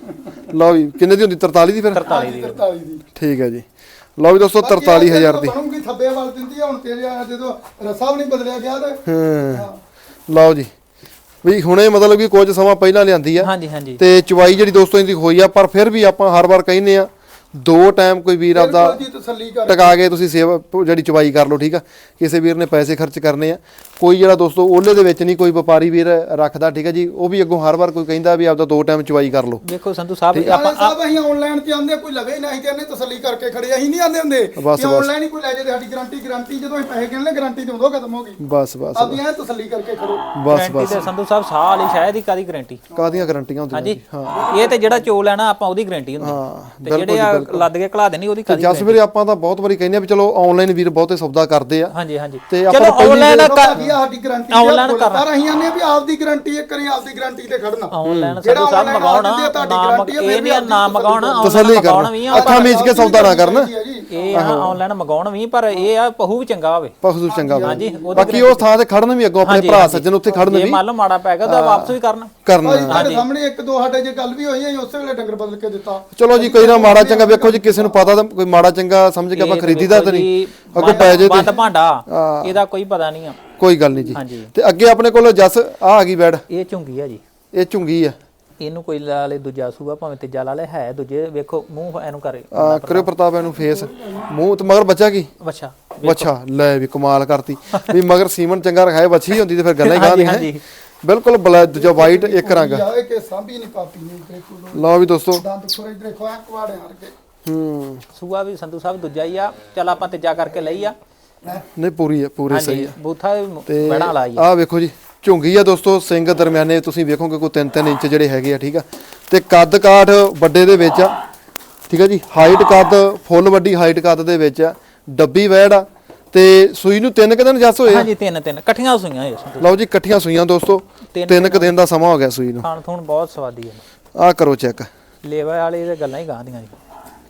Speaker 2: ਲਓ ਵੀ ਕਿੰਨੇ ਦੀ ਹੁੰਦੀ ਤਰਤਾਲੀ ਦੀ ਫਿਰ
Speaker 1: ਤਰਤਾਲੀ ਦੀ
Speaker 3: ਤਰਤਾਲੀ ਦੀ
Speaker 2: ਠੀਕ ਹੈ ਜੀ ਲਓ ਵੀ ਦੋਸਤੋ ਤਰਤਾਲੀ ਹਜ਼ਾਰ ਦੀ
Speaker 3: ਬਣੂਗੀ ਥੱਬੇ ਵੱਲ ਦਿੰਦੀ ਆ ਹੁਣ ਤੇਰੇ ਆ ਜਦੋਂ ਰਸਾ ਵੀ ਨਹੀਂ ਬਦਲਿਆ ਗਿਆ ਤੇ
Speaker 2: ਹਾਂ ਲਓ ਜੀ ਵੀ ਹੁਣੇ ਮਤਲਬ ਕਿ ਕੁਝ ਸਮਾਂ ਪਹਿਲਾਂ ਲਿਆਂਦੀ ਆ
Speaker 1: ਹਾਂਜੀ ਹਾਂਜੀ
Speaker 2: ਤੇ ਚਵਾਈ ਜਿਹੜੀ ਦੋਸਤੋ ਇਹਦੀ ਹੋਈ ਆ ਪਰ ਫਿਰ ਵੀ ਆਪਾਂ ਹਰ ਵਾਰ ਕਹਿੰਦੇ ਆ ਦੋ ਟਾਈਮ ਕੋਈ ਵੀਰ ਆਪਦਾ
Speaker 3: ਬਿਲਕੁਲ ਜੀ ਤਸੱਲੀ ਕਰ
Speaker 2: ਟਕਾ ਕੇ ਤੁਸੀਂ ਸੇਵਾ ਜਿਹੜੀ ਚਵਾਈ ਕਰ ਲਓ ਠੀਕ ਆ ਕਿਸੇ ਵੀਰ ਨੇ ਪੈਸੇ ਖਰਚ ਕਰਨੇ ਆ ਕੋਈ ਜਿਹੜਾ ਦੋਸਤੋ ਉਹਲੇ ਦੇ ਵਿੱਚ ਨਹੀਂ ਕੋਈ ਵਪਾਰੀ ਵੀਰ ਰੱਖਦਾ ਠੀਕ ਆ ਜੀ ਉਹ ਵੀ ਅੱਗੋਂ ਹਰ ਵਾਰ ਕੋਈ ਕਹਿੰਦਾ ਵੀ ਆਪਦਾ ਦੋ ਟਾਈਮ ਚਵਾਈ ਕਰ ਲਓ
Speaker 1: ਦੇਖੋ ਸੰਧੂ ਸਾਹਿਬ
Speaker 3: ਆਪਾਂ
Speaker 1: ਆਪਾਂ
Speaker 3: ਸਾਹਿਬ ਅਸੀਂ ਆਨਲਾਈਨ ਤੇ ਆਂਦੇ ਕੋਈ ਲਵੇ ਨਹੀਂ ਤੇ ਇਹਨੇ ਤਸੱਲੀ ਕਰਕੇ ਖੜੇ ਅਸੀਂ ਨਹੀਂ ਆਂਦੇ ਹੁੰਦੇ
Speaker 2: ਬਸ,
Speaker 3: ਕਿ ਆਨਲਾਈਨ ਹੀ ਕੋਈ ਲੈ ਜੇ ਤੇ ਸਾਡੀ ਗਾਰੰਟੀ ਗਾਰੰਟੀ ਜਦੋਂ ਅਸੀਂ ਪੈਸੇ ਗਿਣਲੇ ਗਾਰੰਟੀ ਤੇ ਉਦੋਂ ਖਤਮ ਹੋ ਗਈ
Speaker 2: ਬਸ ਬਸ
Speaker 3: ਆਪਦੀ ਐ ਤਸੱਲੀ ਕਰਕੇ ਖੜੋ
Speaker 2: ਬਸ
Speaker 1: ਗਾਰੰਟੀ
Speaker 2: ਬਸ
Speaker 1: ਤੇ ਸੰਧੂ ਸਾਹਿਬ ਸਾਲ ਹੀ ਸ਼ਾਇਦ ਹੀ ਕਾਦੀ ਗਾਰੰਟੀ
Speaker 2: ਕਾਦੀਆਂ ਗਾਰੰਟੀਆਂ ਹੁੰਦੀਆਂ
Speaker 1: ਹਾਂਜੀ ਇਹ ਤੇ ਜਿਹੜਾ ਚੋ ਲੈਣਾ ਆਪਾਂ ਉਹਦੀ ਗਾਰੰਟੀ ਹੁੰਦੀ
Speaker 2: ਹਾਂ
Speaker 1: ਤੇ ਜਿਹੜੇ ਆ ਲੱਦ ਕੇ ਘਲਾ ਦੇਣੀ ਉਹਦੀ ਕਾਦੀ
Speaker 2: ਜਸ ਵੀਰੇ ਆਪਾਂ ਤਾਂ ਬਹੁਤ ਵਾਰੀ ਕਹਿੰਦੇ ਆ ਵੀ ਚਲੋ ਆਨਲਾਈਨ ਵੀਰ ਬਹੁਤੇ ਸੌਦਾ ਕਰਦੇ ਆ
Speaker 1: ਹਾਂਜੀ ਹਾਂਜੀ
Speaker 2: ਤੇ
Speaker 1: ਚਲੋ
Speaker 2: ਆਪਾਂ ਪਹਿਲੀ
Speaker 1: ਆਨਲਾਈਨ
Speaker 3: ਭਾਜੀ ਸਾਡੀ ਗਾਰੰਟੀ
Speaker 1: Online ਕਰਨਾ।
Speaker 3: ਪਰ ਅਸੀਂ ਆਨੇ ਵੀ ਆਪਦੀ ਗਾਰੰਟੀ ਇੱਕ ਕਰੀ ਆਪਦੀ ਗਾਰੰਟੀ ਤੇ ਖੜਨਾ
Speaker 1: ਆਨਲਾਈਨ
Speaker 3: ਜਿਹੜਾ
Speaker 1: ਸੰਧੂ ਸਾਹਿਬ
Speaker 3: online
Speaker 1: ਮਗਾਉਣਾ
Speaker 3: ਦਿੰਦੇ ਆ, ਤੁਹਾਡੀ
Speaker 1: ਨਾਮ
Speaker 3: guarantee ਆ,
Speaker 1: ਇਹ
Speaker 3: ਫਿਰ
Speaker 1: ਨਹੀਂ ਆ,
Speaker 3: ਵੀ
Speaker 1: ਨਾਮ ਮਗਾਉਣਾ
Speaker 2: ਤਸੱਲੀ
Speaker 1: ਮਗਾਉਣਾ ਵੀ
Speaker 2: ਕਰਨਾ
Speaker 1: ਆ
Speaker 2: ਅੱਖਾਂ ਮੀਚ ਕੇ ਸੌਦਾ ਨਾ ਕਰਨ
Speaker 1: ਇਹ ਆ ਆਨਲਾਈਨ ਮਗਾਉਣ ਵੀ ਪਰ ਇਹ ਆ ਪਹੂ ਵੀ ਚੰਗਾ ਹੋਵੇ
Speaker 2: ਪਖੂ ਚੰਗਾ
Speaker 1: ਹਾਂਜੀ
Speaker 2: ਵਾ
Speaker 1: ਉਹਦੀ
Speaker 2: ਬਾਕੀ ਉਹ ਥਾਂ ਤੇ ਖੜਨ ਵੀ ਅੱਗੋਂ ਆਪਣੇ ਭਰਾ ਸੱਜਣ ਉੱਥੇ ਖੜਨ
Speaker 1: ਜੇ
Speaker 2: ਵੀ
Speaker 1: ਮੰਨ ਲਓ ਮਾੜਾ ਪੈ ਗਿਆ ਤਾਂ ਵਾਪਸ ਵੀ ਕਰਨਾ
Speaker 2: ਕਰਨਾ
Speaker 3: ਭਾਜੀ ਤੁਹਾਡੇ ਸਾਹਮਣੇ ਇੱਕ ਦੋ ਸਾਡੇ ਜੇ ਗੱਲ ਵੀ ਹੋਈ ਹੈ ਉਸੇ ਵੇਲੇ ਡੰਗਰ ਬਦਲ ਕੇ ਦਿੱਤਾ
Speaker 2: ਚਲੋ ਜੀ ਕੋਈ ਨਾ ਮਾੜਾ ਚੰਗਾ ਵੇਖੋ ਜੀ ਕਿਸੇ ਨੂੰ ਪਤਾ ਤਾਂ ਕੋਈ ਮਾੜਾ ਚੰਗਾ ਸਮਝ ਕੇ ਆਪਾਂ ਖਰੀਦੀਦਾ ਤਾਂ ਨਹੀਂ ਅੱਗੋਂ ਪੈ ਜੇ
Speaker 1: ਬੰਦ
Speaker 2: ਤੇ
Speaker 1: ਭਾਂਡਾ ਇਹਦਾ ਕੋਈ ਪਤਾ ਨਹੀਂ ਆ
Speaker 2: ਕੋਈ ਗੱਲ ਨਹੀਂ ਜੀ
Speaker 1: ਹਾਂਜੀ
Speaker 2: ਤੇ ਅੱਗੇ ਆਪਣੇ ਕੋਲ ਜਸ ਆ ਆ ਗਈ ਬੈਡ
Speaker 1: ਇਹ ਝੁੰਗੀ ਆ ਜੀ
Speaker 2: ਇਹ ਝੁੰਗੀ ਆ
Speaker 1: ਇਹਨੂੰ ਕੋਈ ਲਾ ਲੇ ਦੂਜਾ ਸੂਆ ਭਾਵੇਂ ਤੀਜਾ ਲਾ ਲੇ ਹੈ ਦੂਜੇ ਵੇਖੋ ਮੂੰਹ ਇਹਨੂੰ ਕਰੇ
Speaker 2: ਆ ਕਰਿਓ ਪ੍ਰਤਾਪ ਇਹਨੂੰ ਫੇਸ ਮੂੰਹ ਤੇ ਮਗਰ ਬੱਚਾ ਕੀ
Speaker 1: ਬੱਚਾ
Speaker 2: ਬੱਚਾ ਲੈ ਵੀ ਕਮਾਲ ਕਰਤੀ ਵੀ ਮਗਰ ਸੀਮਨ ਚੰਗਾ ਰਖਾਏ ਬੱਚੀ ਹੁੰਦੀ ਤੇ ਫਿਰ ਗੱਲਾਂ ਹੀ
Speaker 1: ਹਾਂਜੀ
Speaker 2: ਗਾਂਦੀਆਂ
Speaker 1: ਹਾਂਜੀ
Speaker 2: ਬਿਲਕੁਲ ਬਲੈਕ ਜੋ ਵਾਈਟ ਇੱਕ ਰੰਗ
Speaker 3: ਜਾਵੇ ਕਿ ਸਾਂਭੀ ਨਹੀਂ ਪਾਪੀ ਨੇ ਬਿਲਕੁਲ
Speaker 2: ਲਓ ਵੀ ਦੋਸਤੋ
Speaker 3: ਦੰਦ ਖੋਰੇ ਇਧਰ ਖਵਾ ਕਵਾੜੇ ਹਰ ਕੇ
Speaker 2: ਹੂੰ
Speaker 1: ਸੂਆ ਵੀ ਸੰਧੂ ਸਾਹਿਬ ਦੂਜਾ ਹੀ ਆ ਚੱਲ ਆਪਾਂ ਤੀਜਾ ਕਰਕੇ ਲਈ ਆ
Speaker 2: ਨਹੀਂ ਪੂਰੀ ਆ ਪੂਰੀ ਸਹੀ
Speaker 1: ਹਾਂਜੀ
Speaker 2: ਆ
Speaker 1: ਬੂਥਾ
Speaker 2: ਤੇ
Speaker 1: ਬੜਾ ਲਾਈ
Speaker 2: ਆ ਵੇਖੋ ਜੀ ਝੁੰਗੀ ਆ ਦੋਸਤੋ ਸਿੰਘ ਦਰਮਿਆਨੇ ਤੁਸੀਂ ਵੇਖੋਗੇ ਕੋਈ ਤਿੰਨ ਤਿੰਨ ਇੰਚ ਜਿਹੜੇ ਹੈਗੇ ਆ ਠੀਕ ਆ ਤੇ ਕੱਦ ਕਾਠ ਵੱਡੇ ਦੇ ਵਿੱਚ ਆ ਠੀਕ ਆ ਜੀ ਹਾਈਟ ਕੱਦ ਫੁੱਲ ਵੱਡੀ ਹਾਈਟ ਕੱਦ ਦੇ ਵਿੱਚ ਆ ਡੱਬੀ ਵੈੜ ਆ ਤੇ ਸੂਈ ਨੂੰ ਤਿੰਨ ਕੁ ਦਿਨ ਜੱਸ ਹੋਏ ਆ
Speaker 1: ਹਾਂਜੀ ਤਿੰਨ ਤਿੰਨ ਇਕੱਠੀਆਂ ਸੂਈਆਂ ਇਹ ਸੰਧੂ
Speaker 2: ਲਓ ਜੀ ਇਕੱਠੀਆਂ ਸੂਈਆਂ ਦੋਸਤੋ ਤਿੰਨ ਕੁ ਦਿਨ ਦਾ ਸਮਾਂ ਹੋ ਗਿਆ ਸੂਈ ਨੂੰ
Speaker 1: ਖਾਣ ਥੂਣ ਬਹੁਤ ਸਵਾਦੀ ਹੈ
Speaker 2: ਆ ਕਰੋ ਚੈੱਕ
Speaker 1: ਲੇਵਾ ਵਾਲੀ ਤੇ ਗੱਲਾਂ ਹੀ ਗਾਂਦੀਆਂ ਜੀ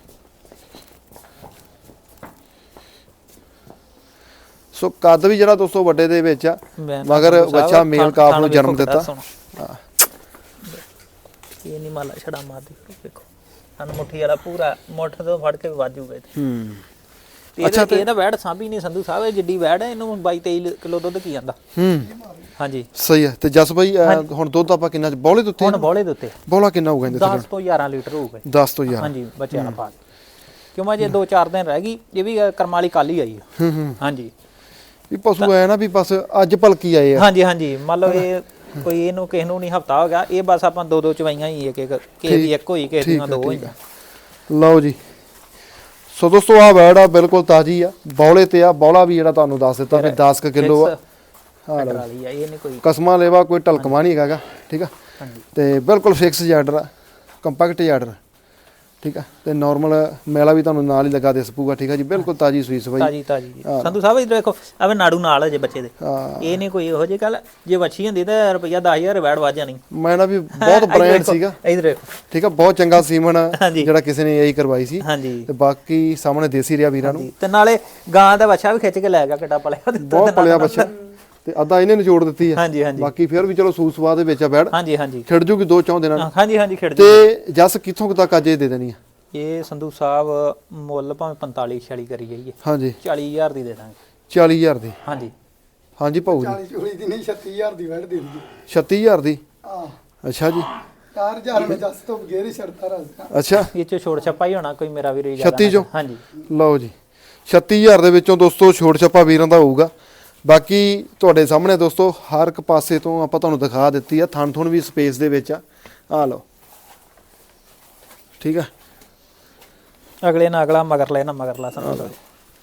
Speaker 2: ਸੋ ਕੱਦ ਵੀ ਜਿਹੜਾ ਦੋਸਤੋ ਵੱਡੇ ਦੇ ਵਿੱਚ ਆ
Speaker 1: ਮੈਂ
Speaker 2: ਮਗਰ
Speaker 1: ਸੰਧੂ ਸਾਹਿਬ
Speaker 2: ਬੱਚਾ ਮੇਲ
Speaker 1: ਖਾਣ-
Speaker 2: ਕਾਫ
Speaker 1: ਖਾਣ
Speaker 2: ਨੂੰ ਜਨਮ
Speaker 1: ਵੇਖੋ
Speaker 2: ਦਿੱਤਾ
Speaker 1: ਕਿੱਡਾ ਸੋਹਣਾ। ਇਹ ਨਹੀਂ ਮਾਲਾ ਛੜਾ ਮਾਰਦੀ ਵੇਖੋ ਹਨ ਮੁੱਠੀ ਵਾਲਾ ਪੂਰਾ ਮੁੱਠ ਤੋਂ ਫੜ ਕੇ ਵਾਜੂਗਾ
Speaker 2: ਹੂੰ
Speaker 1: ਤੇ ਇਹਦਾ ਇਹਦਾ ਵੈੜ ਸਾਂਭੀ ਨਹੀਂ ਸੰਧੂ ਸਾਹਿਬ, ਇਹ ਜਿੱਡੀ ਵੈੜ ਹੈ ਇਹਨੂੰ ਬਾਈ ਤੇਈ ਕਿਲੋ ਦੁੱਧ ਕੀ ਜਾਂਦਾ।
Speaker 2: ਹੂੰ
Speaker 1: ਹਾਂਜੀ
Speaker 2: ਸਹੀ ਹੈ। ਤੇ ਜਸ ਬਾਈ ਅਹ, ਹੁਣ ਦੁੱਧ ਆਪਾਂ ਕਿੰਨਾ ਬੌਲੇ ਦੇ ਉੱਤੇ
Speaker 1: ਹੁਣ ਬੋਲੇ ਦੇ ਉੱਤੇ
Speaker 2: ਬੌਲਾ ਕਿੰਨਾ ਹੋਊਗਾ ਇਹਦੇ
Speaker 1: ਦਸ ਤੋਂ ਗਿਆਰਾਂ ਲੀਟਰ ਹੋਊਗਾ।
Speaker 2: ਦਸ ਤੋਂ ਗਿਆਰਾਂ।
Speaker 1: ਹਾਂਜੀ ਬੱਚਿਆਂ ਨਾਲ ਪਾ ਕੇ, ਕਿਉਂ ਮੈਂ ਜੇ ਦੋ ਚਾਰ ਦਿਨ ਰਹਿ ਗਈ, ਇਹ ਵੀ ਕਰਮ ਵਾਲੀ ਕੱਲ ਹੀ ਆਈ ਆ।
Speaker 2: ਹੂੰ ਹੂੰ
Speaker 1: ਹਾਂਜੀ
Speaker 2: ਵੀ ਪਸ਼ੂ ਐ ਨਾ ਵੀ ਬਸ ਅੱਜ ਭਲਕੀ ਆਏ ਆ।
Speaker 1: ਹਾਂਜੀ ਹਾਂਜੀ ਮੰਨ ਲਓ ਇਹ ਕੋਈ ਇਹਨੂੰ ਕਿਸੇ ਨੂੰ ਨਹੀਂ ਹਫਤਾ ਹੋ ਗਿਆ, ਇਹ ਬਸ ਆਪਾਂ ਦੋ ਦੋ ਚਵਾਈਆਂ ਹੀ ਇੱਕ ਇੱਕ ਕਿਸੇ ਦੀ ਇੱਕ ਹੋਈ ਕਿਸੇ ਦੀਆਂ ਦੋ ਹੋਈਆਂ।
Speaker 2: ਲਓ ਜੀ ਸੋ ਦੋਸਤੋ ਆ ਵੈੜ ਆ ਬਿਲਕੁਲ ਤਾਜ਼ੀ ਆ, ਬੌਲੇ ਤੇ ਆ। ਬੌਲਾ ਵੀ ਜਿਹੜਾ ਤੁਹਾਨੂੰ ਦੱਸ ਦਿੱਤਾ ਵੀ ਦਸ ਕਿਲੋ ਆ।
Speaker 1: ਹਾਂ ਵਾਲੀ ਆ, ਇਹ ਨਹੀਂ ਕੋਈ
Speaker 2: ਕਸਮਾਂ ਲੈਵਾ ਕੋਈ ਢਲਕਮਾ ਨਹੀਂ ਹੈਗਾ ਠੀਕ ਆ।
Speaker 1: ਹਾਂਜੀ
Speaker 2: ਤੇ ਬਿਲਕੁਲ ਫਿਕਸ ਜਾਰਡਰ ਆ, ਕੰਪੈਕਟ ਜਾਰਡਰ ਠੀਕ ਆ। ਤੇ ਨਾਰਮਲ ਮੈਲਾ ਵੀ ਤੁਹਾਨੂੰ ਨਾਲ ਹੀ ਲਗਾ ਦੇ ਸਪੂਗਾ ਠੀਕ ਆ ਜੀ। ਬਿਲਕੁਲ ਤਾਜ਼ੀ ਸੂਈ ਸਵਾਈ
Speaker 1: ਤਾਜੀ ਤਾਜੀ ਸੰਧੂ ਸਾਹਿਬ ਇਧਰ ਦੇਖੋ ਆਵੇ ਨਾੜੂ ਨਾਲ ਹੈ ਜੇ ਬੱਚੇ ਦੇ,
Speaker 2: ਹਾਂ
Speaker 1: ਇਹ ਨਹੀਂ ਕੋਈ ਇਹੋ ਜਿਹੀ ਗੱਲ। ਜੇ ਵੱਛੀ ਹੁੰਦੀ ਤਾਂ ਰੁਪਈਆ ਦਸ ਹਜ਼ਾਰ ਵੈੜ ਵੱਜ ਜਾਣੀ।
Speaker 2: ਮੈਂ ਨਾ ਵੀ ਬਹੁਤ ਬ੍ਰਾਂਡ ਸੀਗਾ
Speaker 1: ਇਧਰ ਦੇਖੋ
Speaker 2: ਠੀਕ ਆ, ਬਹੁਤ ਚੰਗਾ ਸੀਮਨ
Speaker 1: ਹਾਂਜੀ।
Speaker 2: ਜਿਹੜਾ ਕਿਸੇ ਨੇ ਇਹੀ ਕਰਵਾਈ ਸੀ।
Speaker 1: ਹਾਂਜੀ
Speaker 2: ਤੇ ਬਾਕੀ ਸਾਹਮਣੇ ਦੇਸੀ ਰਿਆ ਵੀਰਾਂ ਨੂੰ,
Speaker 1: ਤੇ ਨਾਲੇ ਗਾਂ ਦਾ ਵੱਛਾ ਵੀ ਖਿੱਚ ਕੇ ਲੈ ਗਿਆ, ਕਿੱਡਾ ਪਲਿਆ
Speaker 2: ਬਹੁਤ ਪਲਿਆ ਬੱਚਾ। ਤੇ ਅੱਧਾ ਇਹਨੇ ਨਿਚੋੜ ਦਿੱਤੀ ਆ।
Speaker 1: ਹਾਂਜੀ ਹਾਂਜੀ
Speaker 2: ਬਾਕੀ ਫਿਰ ਵੀ ਚਲੋ ਸੂਸ ਸਵਾਦ ਦੇ ਵਿੱਚ ਆ ਬੈੜ,
Speaker 1: ਹਾਂਜੀ ਹਾਂਜੀ
Speaker 2: ਖਿੜ ਜੂਗੀ ਦੋ ਚੌਂ ਦਿਨਾਂ ਨੂੰ।
Speaker 1: ਹਾਂਜੀ ਹਾਂਜੀ ਖਿੜ ਜੀ।
Speaker 2: ਤੇ ਜਸ ਕਿੱਥੋਂ ਤੱਕ ਅੱਜ ਇਹ ਦੇ ਦੇਣੀ ਆ?
Speaker 1: ਇਹ ਸੰਧੂ ਸਾਹਿਬ ਮੁੱਲ ਭਾਵੇਂ ਪੰਤਾਲੀ ਛਿਆਲੀ ਕਰੀ ਜਾਈਏ,
Speaker 2: ਹਾਂਜੀ
Speaker 1: ਚਾਲੀ ਹਜ਼ਾਰ ਦੀ ਦੇ ਦਾਂਗੇ।
Speaker 2: ਚਾਲੀ ਹਜ਼ਾਰ ਦੀ।
Speaker 1: ਹਾਂਜੀ
Speaker 2: ਹਾਂਜੀ ਭਾਊ ਜੀ
Speaker 3: ਚਾਲੀ ਚੂਲੀ ਦੀ ਨਹੀਂ ਛੱਤੀ ਹਜ਼ਾਰ ਦੀ ਵੜ ਦੇ ਦੀ।
Speaker 2: ਛੱਤੀ ਹਜ਼ਾਰ ਦੀ।
Speaker 3: ਹਾਂ
Speaker 2: ਅੱਛਾ ਜੀ
Speaker 3: ਚਾਰ ਹਜ਼ਾਰ ਮੈਂ ਜੱਸ ਤੋਂ ਬਗੈਰ ਹੀ ਛੱਡਦਾ ਰਸਤਾ।
Speaker 2: ਅੱਛਾ
Speaker 1: ਇਹ ਚ ਛੋੜ ਛੱਪਾ ਹੀ ਹੋਣਾ ਕੋਈ ਮੇਰਾ ਵੀਰ
Speaker 2: ਛੱਤੀ ਚੋਂ?
Speaker 1: ਹਾਂਜੀ
Speaker 2: ਲਓ ਜੀ ਛੱਤੀ ਹਜ਼ਾਰ ਦੇ ਵਿੱਚੋਂ ਦੋਸਤੋ ਛੋੜ ਛੱਪਾ ਵੀਰਾਂ ਦਾ ਹੋਊਗਾ। ਬਾਕੀ ਤੁਹਾਡੇ ਸਾਹਮਣੇ ਦੋਸਤੋ ਹਰ ਇੱਕ ਪਾਸੇ ਤੋਂ ਆਪਾਂ ਤੁਹਾਨੂੰ ਦਿਖਾ ਦਿੱਤੀ ਆ। ਥਣ ਥੁਣ ਵੀ ਸਪੇਸ ਦੇ ਵਿੱਚ ਆ। ਆ ਲਓ ਠੀਕ ਆ।
Speaker 1: ਅਗਲੇ ਨਾਲ ਅਗਲਾ ਮਗਰ ਲੈ ਨਾ ਮਗਰ ਲਾ ਸੰਧੂ ਸਾਹਿਬ।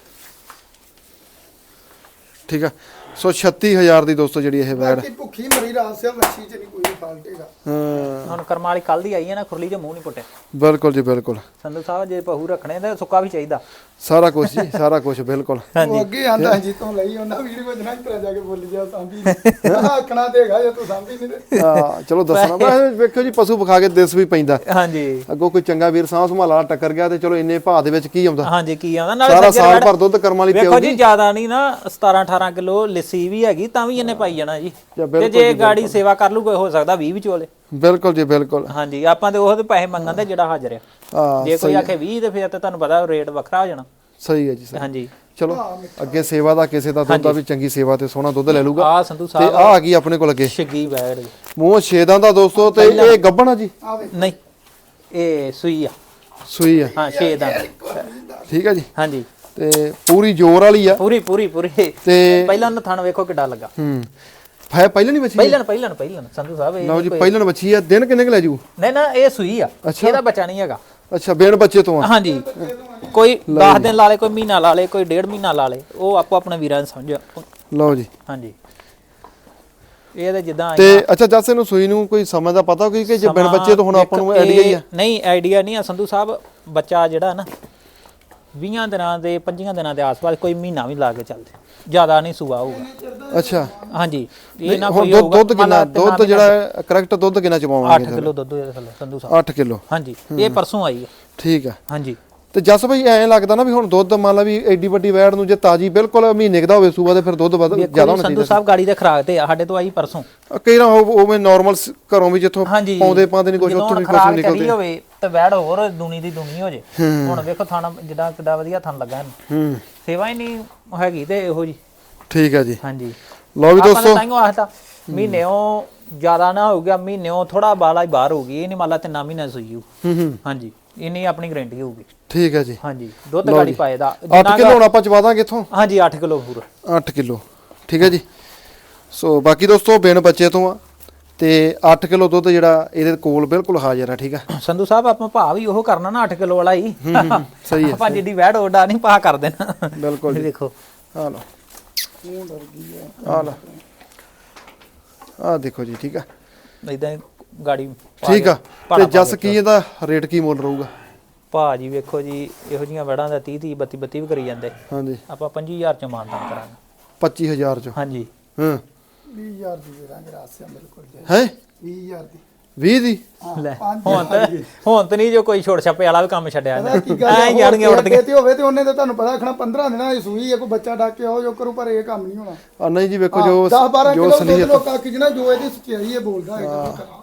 Speaker 2: ਠੀਕ ਆ ਸੋ ਛੱਤੀ ਹਜ਼ਾਰ ਦੀ ਦੋਸਤੋ ਜਿਹੜੀ ਇਹ ਵੈੜ
Speaker 3: ਬਾਕੀ ਭੁੱਖੀ ਮਰੀ ਰਾਤ ਸਿਆ ਵੱਛੀ ਚ ਨਹੀਂ ਕੋਈ ਫਾਲਟ ਹੈਗਾ।
Speaker 2: ਹਾਂ
Speaker 1: ਹੁਣ ਕਰਮ ਵਾਲੀ ਕੱਲ ਦੀ ਆਈ ਹੈ ਨਾ, ਖੁਰਲੀ ਚ ਮੂੰਹ ਨਹੀਂ ਪੁੱਟਿਆ
Speaker 2: ਬਿਲਕੁਲ ਜੀ ਬਿਲਕੁਲ।
Speaker 1: ਸੰਧੂ ਸਾਹਿਬ ਜੇ ਪਹੂ ਰੱਖਣੇ ਤਾਂ ਸੁੱਕਾ ਵੀ ਚਾਹੀਦਾ।
Speaker 2: ਸਾਰਾ ਕੁਝ ਜੀ ਸਾਰਾ ਕੁਝ ਬਿਲਕੁਲ।
Speaker 3: ਉਹ ਅੱਗੇ ਆਂਦਾ ਜੀ ਤੋਂ ਲਈ ਉਹਨਾਂ ਵੀਡੀਓ ਚ ਨਾ ਇਤਰਾ ਜਾ ਕੇ ਬੋਲ ਜਾ ਸਾਂਭੀ ਆਖਣਾ ਦੇਗਾ ਜੇ ਤੂੰ ਸਾਂਭੀ ਨਹੀਂ ਤੇ।
Speaker 2: ਹਾਂ ਚਲੋ ਦੱਸਣਾ ਮੈਂ ਵੇਖੋ ਜੀ ਪਸ਼ੂ ਵਿਖਾ ਕੇ ਦਿਸ ਵੀ ਪੈਂਦਾ।
Speaker 1: ਹਾਂਜੀ
Speaker 2: ਅੱਗੋਂ ਕੋਈ ਚੰਗਾ ਵੀਰ ਸਾਂਭ ਸੰਭਾਲ ਵਾਲਾ ਟੱਕਰ ਗਿਆ ਤੇ ਚਲੋ ਇੰਨੇ ਭਾਅ ਦੇ ਵਿੱਚ ਕੀ ਆਉਂਦਾ।
Speaker 1: ਹਾਂਜੀ ਕੀ ਆਉਂਦਾ ਨਾਲੇ
Speaker 2: ਸਾਰਾ
Speaker 1: ਸੱਜਰ
Speaker 2: ਸਾਲ
Speaker 1: ਵੈੜ-
Speaker 2: ਭਰ ਦੁੱਧ ਕਰਮ ਵਾਲੀ
Speaker 1: ਵੇਖੋ
Speaker 2: ਪਿਆਉਗੀ।
Speaker 1: ਜੀ ਜ਼ਿਆਦਾ ਨਹੀਂ ਨਾ ਸਤਾਰਾਂ ਅਠਾਰਾਂ ਕਿਲੋ ਲੱਸੀ ਵੀ ਹੈਗੀ ਤਾਂ ਵੀ ਇਹਨੇ ਪਾਈ ਜਾਣਾ ਜੀ।
Speaker 2: ਜਾਂ
Speaker 1: ਤੇ
Speaker 2: ਬਿਲਕੁਲ
Speaker 1: ਜੇ ਗਾੜੀ ਸੇਵਾ ਕਰ ਲੂ ਕੋਈ ਹੋ ਸਕਦਾ ਵੀਹ ਵੀ ਚੋਲੇ।
Speaker 2: ਬਿਲਕੁਲ ਜੀ ਬਿਲਕੁਲ।
Speaker 1: ਹਾਂਜੀ ਆਪਾਂ ਤੇ ਉਹ ਤੇ ਪੈਸੇ ਮੰਗਣ ਦੇ ਜਿਹੜਾ ਹਾਜ਼ਰ ਆ।
Speaker 2: ਹਾਂ
Speaker 1: ਜੇ ਕੋਈ ਆਖੇ ਵੀਹ ਤੇ ਫਿਰ ਤੇ ਤੁਹਾਨੂੰ ਪਤਾ ਰੇਟ ਵੱਖਰਾ ਹੋ ਜਾਣਾ।
Speaker 2: ਸਹੀ ਹੈ ਜੀ ਸਹੀ।
Speaker 1: ਹਾਂਜੀ
Speaker 2: ਚਲੋ ਅੱਗੇ ਸੇਵਾ ਦਾ ਕਿਸੇ ਦਾ ਦੁੱਧ ਦਾ ਵੀ ਚੰਗੀ ਸੇਵਾ ਤੇ ਸੋਹਣਾ ਦੁੱਧ ਲੈ ਲੂਗਾ।
Speaker 1: ਆ ਸੰਧੂ
Speaker 2: ਤੇ
Speaker 1: ਸਾਹਿਬ
Speaker 2: ਆ ਆ ਗਈ ਆਪਣੇ ਕੋਲ ਅੱਗੇ
Speaker 1: ਛੱਗੀ ਵੈੜ ਜੀ।
Speaker 2: ਮੂੰਹ ਛੇਦਾਂ ਦਾ ਦੋਸਤੋ। ਤੇ ਇਹ ਗੱਭਣ ਆ ਜੀ?
Speaker 3: ਆਵੇ
Speaker 1: ਨਹੀਂ ਇਹ ਸੂਈ ਆ।
Speaker 2: ਸੂਈ ਆ
Speaker 1: ਹਾਂ ਛੇ ਦਾ।
Speaker 2: ਠੀਕ ਆ ਜੀ।
Speaker 1: ਹਾਂਜੀ
Speaker 2: ਤੇ ਪੂਰੀ ਜ਼ੋਰ ਵਾਲੀ ਆ।
Speaker 1: ਪੂਰੀ ਪੂਰੀ ਪੂਰੀ।
Speaker 2: ਤੇ
Speaker 1: ਪਹਿਲਾਂ ਨੂੰ ਥਣ ਵੇਖੋ ਕਿੱਡਾ ਲੱਗਾ।
Speaker 2: ਹੂੰ ਹੈ ਪਹਿਲਾਂ ਨਹੀਂ ਬੱਚੀ?
Speaker 1: ਪਹਿਲਾਂ ਪਹਿਲਾਂ ਪਹਿਲਾਂ ਸੰਧੂ ਸਾਹਿਬ ਇਹ
Speaker 2: ਲਓ ਜੀ ਪਹਿਲਾਂ ਬੱਚੀ ਆ। ਦਿਨ ਕਿੰਨੇ ਕੁ ਲੈ ਜੂ?
Speaker 1: ਨਹੀਂ ਨਾ ਇਹ ਸੂਈ ਆ, ਇਹਦਾ ਬੱਚਾ ਨਹੀਂ ਹੈਗਾ।
Speaker 2: ਅੱਛਾ ਬੇਨ ਬੱਚੇ ਤੋਂ ਆ।
Speaker 1: ਹਾਂਜੀ ਕੋਈ ਦਸ ਦਿਨ ਲਾ ਲੇ, ਕੋਈ ਮਹੀਨਾ ਲਾ ਲੇ, ਕੋਈ ਡੇਢ ਮਹੀਨਾ ਲਾ ਲੇ, ਉਹ ਆਪੋ ਆਪਣੇ ਵੀਰਾਂ ਨੂੰ ਸਮਝੋ।
Speaker 2: ਲਓ ਜੀ
Speaker 1: ਹਾਂਜੀ ਇਹ ਤਾਂ ਜਿੱਦਾਂ
Speaker 2: ਤੇ ਅੱਛਾ ਜੱਸ ਇਹਨੂੰ ਸੂਈ ਨੂੰ ਕੋਈ ਸਮਾਂ ਦਾ ਪਤਾ ਕੋਈ ਕਿ ਜੇ ਬਿਨ ਬੱਚੇ ਤੋਂ ਹੁਣ ਆਪਾਂ ਨੂੰ ਆਈਡੀਆ ਹੀ ਆ?
Speaker 1: ਨਹੀਂ ਆਈਡੀਆ ਨਹੀਂ ਆ ਸੰਧੂ ਸਾਹਿਬ। ਬੱਚਾ ਜਿਹੜਾ ਨਾ ਵੀਹਾਂ ਦਿਨਾਂ ਦੇ ਪੰਜੀਆਂ ਦਿਨਾਂ ਦੇ ਆਸ-ਪਾਸ ਕੋਈ ਮਹੀਨਾ ਵੀ ਲਾ ਕੇ ਚੱਲਦੇ, ਜ਼ਿਆਦਾ ਨਹੀਂ ਸੂਆ ਹੋਊਗਾ।
Speaker 2: ਅੱਛਾ
Speaker 1: ਹਾਂਜੀ ਇਹ ਨਾ
Speaker 2: ਹੁਣ
Speaker 1: ਕੋਈ
Speaker 2: ਦੁੱਧ ਦੁੱਧ ਕਿੰਨਾ ਦੁੱਧ ਜਿਹੜਾ ਕਰੈਕਟ ਦੁੱਧ ਕਿੰਨਾ ਚਵਾਵਾਂਗੇ?
Speaker 1: ਅੱਠ ਕਿਲੋ ਦੁੱਧ ਇਹਦੇ ਥੱਲੇ ਸੰਧੂ ਸਾਹਿਬ।
Speaker 2: ਅੱਠ ਕਿਲੋ।
Speaker 1: ਹਾਂਜੀ ਇਹ ਪਰਸੋਂ ਆਈ ਹੈ।
Speaker 2: ਠੀਕ ਆ।
Speaker 1: ਹਾਂਜੀ
Speaker 2: ਤੇ ਜੱਸ ਭਾਈ ਐਂ ਲੱਗਦਾ ਨਾ ਵੀ ਹੁਣ ਦੁੱਧ ਮੰਨ ਲਾ ਵੀ ਐਡੀ ਵੱਡੀ ਵੈੜ ਨੂੰ ਜੇ ਤਾਜੀ ਬਿਲਕੁਲ ਮਹੀਨੇ ਕੁ ਦਾ ਹੋਵੇ ਸੂਆ ਤੇ ਫਿਰ ਦੁੱਧ ਵੱਧ ਜ਼ਿਆਦਾ ਹੋਣਾ
Speaker 1: ਸੰਧੂ
Speaker 2: ਚਾਹੀਦਾ।
Speaker 1: ਸਾਹਿਬ ਗਾੜੀ ਦੇ ਖਰਾਕ ਤੇ ਆ, ਸਾਡੇ ਤੋਂ ਆਈ ਪਰਸੋਂ।
Speaker 2: ਕਈ ਨਾ ਉਵੇਂ ਨਾਰਮਲ ਘਰੋਂ ਵੀ ਜਿੱਥੋਂ
Speaker 1: ਹਾਂਜੀ
Speaker 2: ਪਾਉਂਦੇ ਪਾਉਂਦੇ ਨਹੀਂ ਕੁਝ
Speaker 1: ਜਦੋਂ
Speaker 2: ਉੱਥੋਂ ਵੀ ਕੁਝ
Speaker 1: ਖਰਾਕ
Speaker 2: ਨਿਕਲਦੇ।
Speaker 1: ਚੜੀ ਹੋਵੇ ਤੇ ਵੈੜ ਹੋਰ ਦੁਨੀ ਦੀ ਦੁਨੀ ਹੋ ਜੇ। ਹੁਣ ਵੇਖੋ ਥਾਣਾ ਜਿੱਦਾਂ ਕਿੱਡਾ ਵਧੀਆ ਥਣ ਲੱਗਾ ਇਹਨੂੰ।
Speaker 2: ਹੂੰ
Speaker 1: ਸੇਵਾ ਹੀ ਨਹੀਂ ਹੈਗੀ ਤੇ ਇਹੋ ਜੀ।
Speaker 2: ਠੀਕ ਆ ਜੀ।
Speaker 1: ਹਾਂਜੀ
Speaker 2: ਲਓ ਵੀ
Speaker 1: ਆਪਾਂ
Speaker 2: ਦੋਸਤੋ
Speaker 1: ਤਾਂ ਆਖਦਾ ਮਹੀਨੇੋਂ ਜ਼ਿਆਦਾ ਨਾ ਹੋ ਗਿਆ, ਮਹੀਨੇੋਂ ਥੋੜਾ ਬਾਲਾ ਹੀ ਬਾਹਰ ਹੋਊਗੀ। ਇਹ ਨਹੀਂ ਮੰਨ ਲਾ ਤਿੰਨਾਂ ਮਹੀਨੇ ਸੂਈ ਹੋਊ।
Speaker 2: ਹੂੰ ਹੂੰ
Speaker 1: ਹਾਂਜੀ ਇੰਨੀ ਆਪਣੀ ਗਾਰੰਟੀ ਹੋਊਗੀ।
Speaker 2: ਠੀਕ ਹੈ ਜੀ।
Speaker 1: ਹਾਂਜੀ ਦੁੱਧ ਗਾੜੀ ਪਾਏ ਦਾ
Speaker 2: ਅੱਠ ਕਿਲੋ ਹੁਣ ਆਪਾਂ ਚਵਾ ਦਾਂਗੇ ਇੱਥੋਂ?
Speaker 1: ਹਾਂਜੀ ਅੱਠ ਕਿਲੋ ਪੂਰਾ।
Speaker 2: ਅੱਠ ਕਿਲੋ ਠੀਕ ਹੈ ਜੀ। ਸੋ ਬਾਕੀ ਦੋਸਤੋ ਬਿਨ ਬੱਚੇ ਤੋਂ ਆ ਤੇ ਅੱਠ ਕਿਲੋ ਦੁੱਧ ਜਿਹੜਾ ਇਹਦੇ ਕੋਲ ਬਿਲਕੁਲ ਹਾਜ਼ਰ ਆ। ਠੀਕ ਆ
Speaker 1: ਸੰਧੂ ਸਾਹਿਬ ਆਪਾਂ ਭਾਅ ਵੀ ਉਹ ਕਰਨਾ ਨਾ ਅੱਠ ਕਿਲੋ ਵਾਲਾ ਹੀ।
Speaker 2: ਸਹੀ ਹੈ।
Speaker 1: ਆਪਾਂ ਜਿੱਡੀ ਵੈੜ ਓਡਾ ਨਹੀਂ ਭਾਅ ਕਰ ਦੇਣਾ।
Speaker 2: ਬਿਲਕੁਲ ਜੀ।
Speaker 1: ਦੇਖੋ
Speaker 2: ਆ ਲਓ ਆ ਲਓ ਆ ਦੇਖੋ ਜੀ। ਠੀਕ ਆ
Speaker 1: ਇਦਾਂ ਗਾੜੀ
Speaker 2: ਠੀਕ ਆ। ਤੇ ਜੱਸ ਕੀ ਇਹਦਾ ਰੇਟ ਕੀ ਮੁੱਲ ਰਹੂਗਾ?
Speaker 1: ਭਾਅ ਜੀ ਵੇਖੋ ਜੀ ਇਹੋ ਜੀਆਂ ਵੜਾਂ ਦਾ ਤੀਹ ਤੀਹ ਬੱਤੀ ਬੱਤੀ ਵੀ ਕਰੀ ਜਾਂਦੇ।
Speaker 2: ਹਾਂਜੀ
Speaker 1: ਆਪਾਂ ਪੰਜੀ ਹਜ਼ਾਰ ਚ ਮਾਨਦਾਨ ਕਰਾਂਗੇ।
Speaker 2: ਪੱਚੀ ਹਜ਼ਾਰ ਚ?
Speaker 1: ਹਾਂਜੀ
Speaker 2: ਹਾਂ
Speaker 3: ਵੀਹ ਹਜ਼ਾਰ ਦੀ ਦੇ ਦਾਂਗੇ ਰਾਸਿਆ ਬਿਲਕੁਲ ਜੀ।
Speaker 2: ਹੈ
Speaker 3: ਵੀਹ ਹਜ਼ਾਰ ਦੀ।
Speaker 2: ਵੀਹ ਦੀ?
Speaker 1: ਲੈ ਹੁਣ ਤੇ ਹੁਣ ਤੇ ਨਹੀਂ ਜੋ ਕੋਈ ਛੋੜ ਛਾਪੇ ਵਾਲਾ ਵੀ ਕੰਮ ਛੱਡਿਆ
Speaker 3: ਪਤਾ ਕੀ ਗੱਲ ਹੈ,
Speaker 1: ਐ ਜਾਣਗੇ ਉੜਦੀਆਂ
Speaker 3: ਤੇ ਹੋਵੇ ਤੇ ਉਹਨੇ ਤਾਂ ਤੁਹਾਨੂੰ ਪਤਾ ਆਖਣਾ ਪੰਦਰਾਂ ਦਿਨਾਂ ਦੀ ਸੂਈ ਹੈ, ਕੋਈ ਬੱਚਾ ਡੱਕ ਕੇ ਆਓ ਜੋ ਕਰੂ, ਪਰ ਇਹ ਕੰਮ ਨਹੀਂ ਹੋਣਾ।
Speaker 2: ਆ ਨਹੀਂ ਜੀ ਵੇਖੋ ਜੋ
Speaker 3: ਦਸ ਬਾਰਾਂ
Speaker 2: ਜੋ
Speaker 3: ਕਿਲੋ ਦੁੱਧ
Speaker 2: ਸਲੀਅਤ
Speaker 3: ਲੋਕਾਂ ਕਿ ਜਿਹੜਾ ਜੋ ਇਹਦੀ ਸਚਾਈ ਹੈ ਬੋਲਦਾ ਹੈ।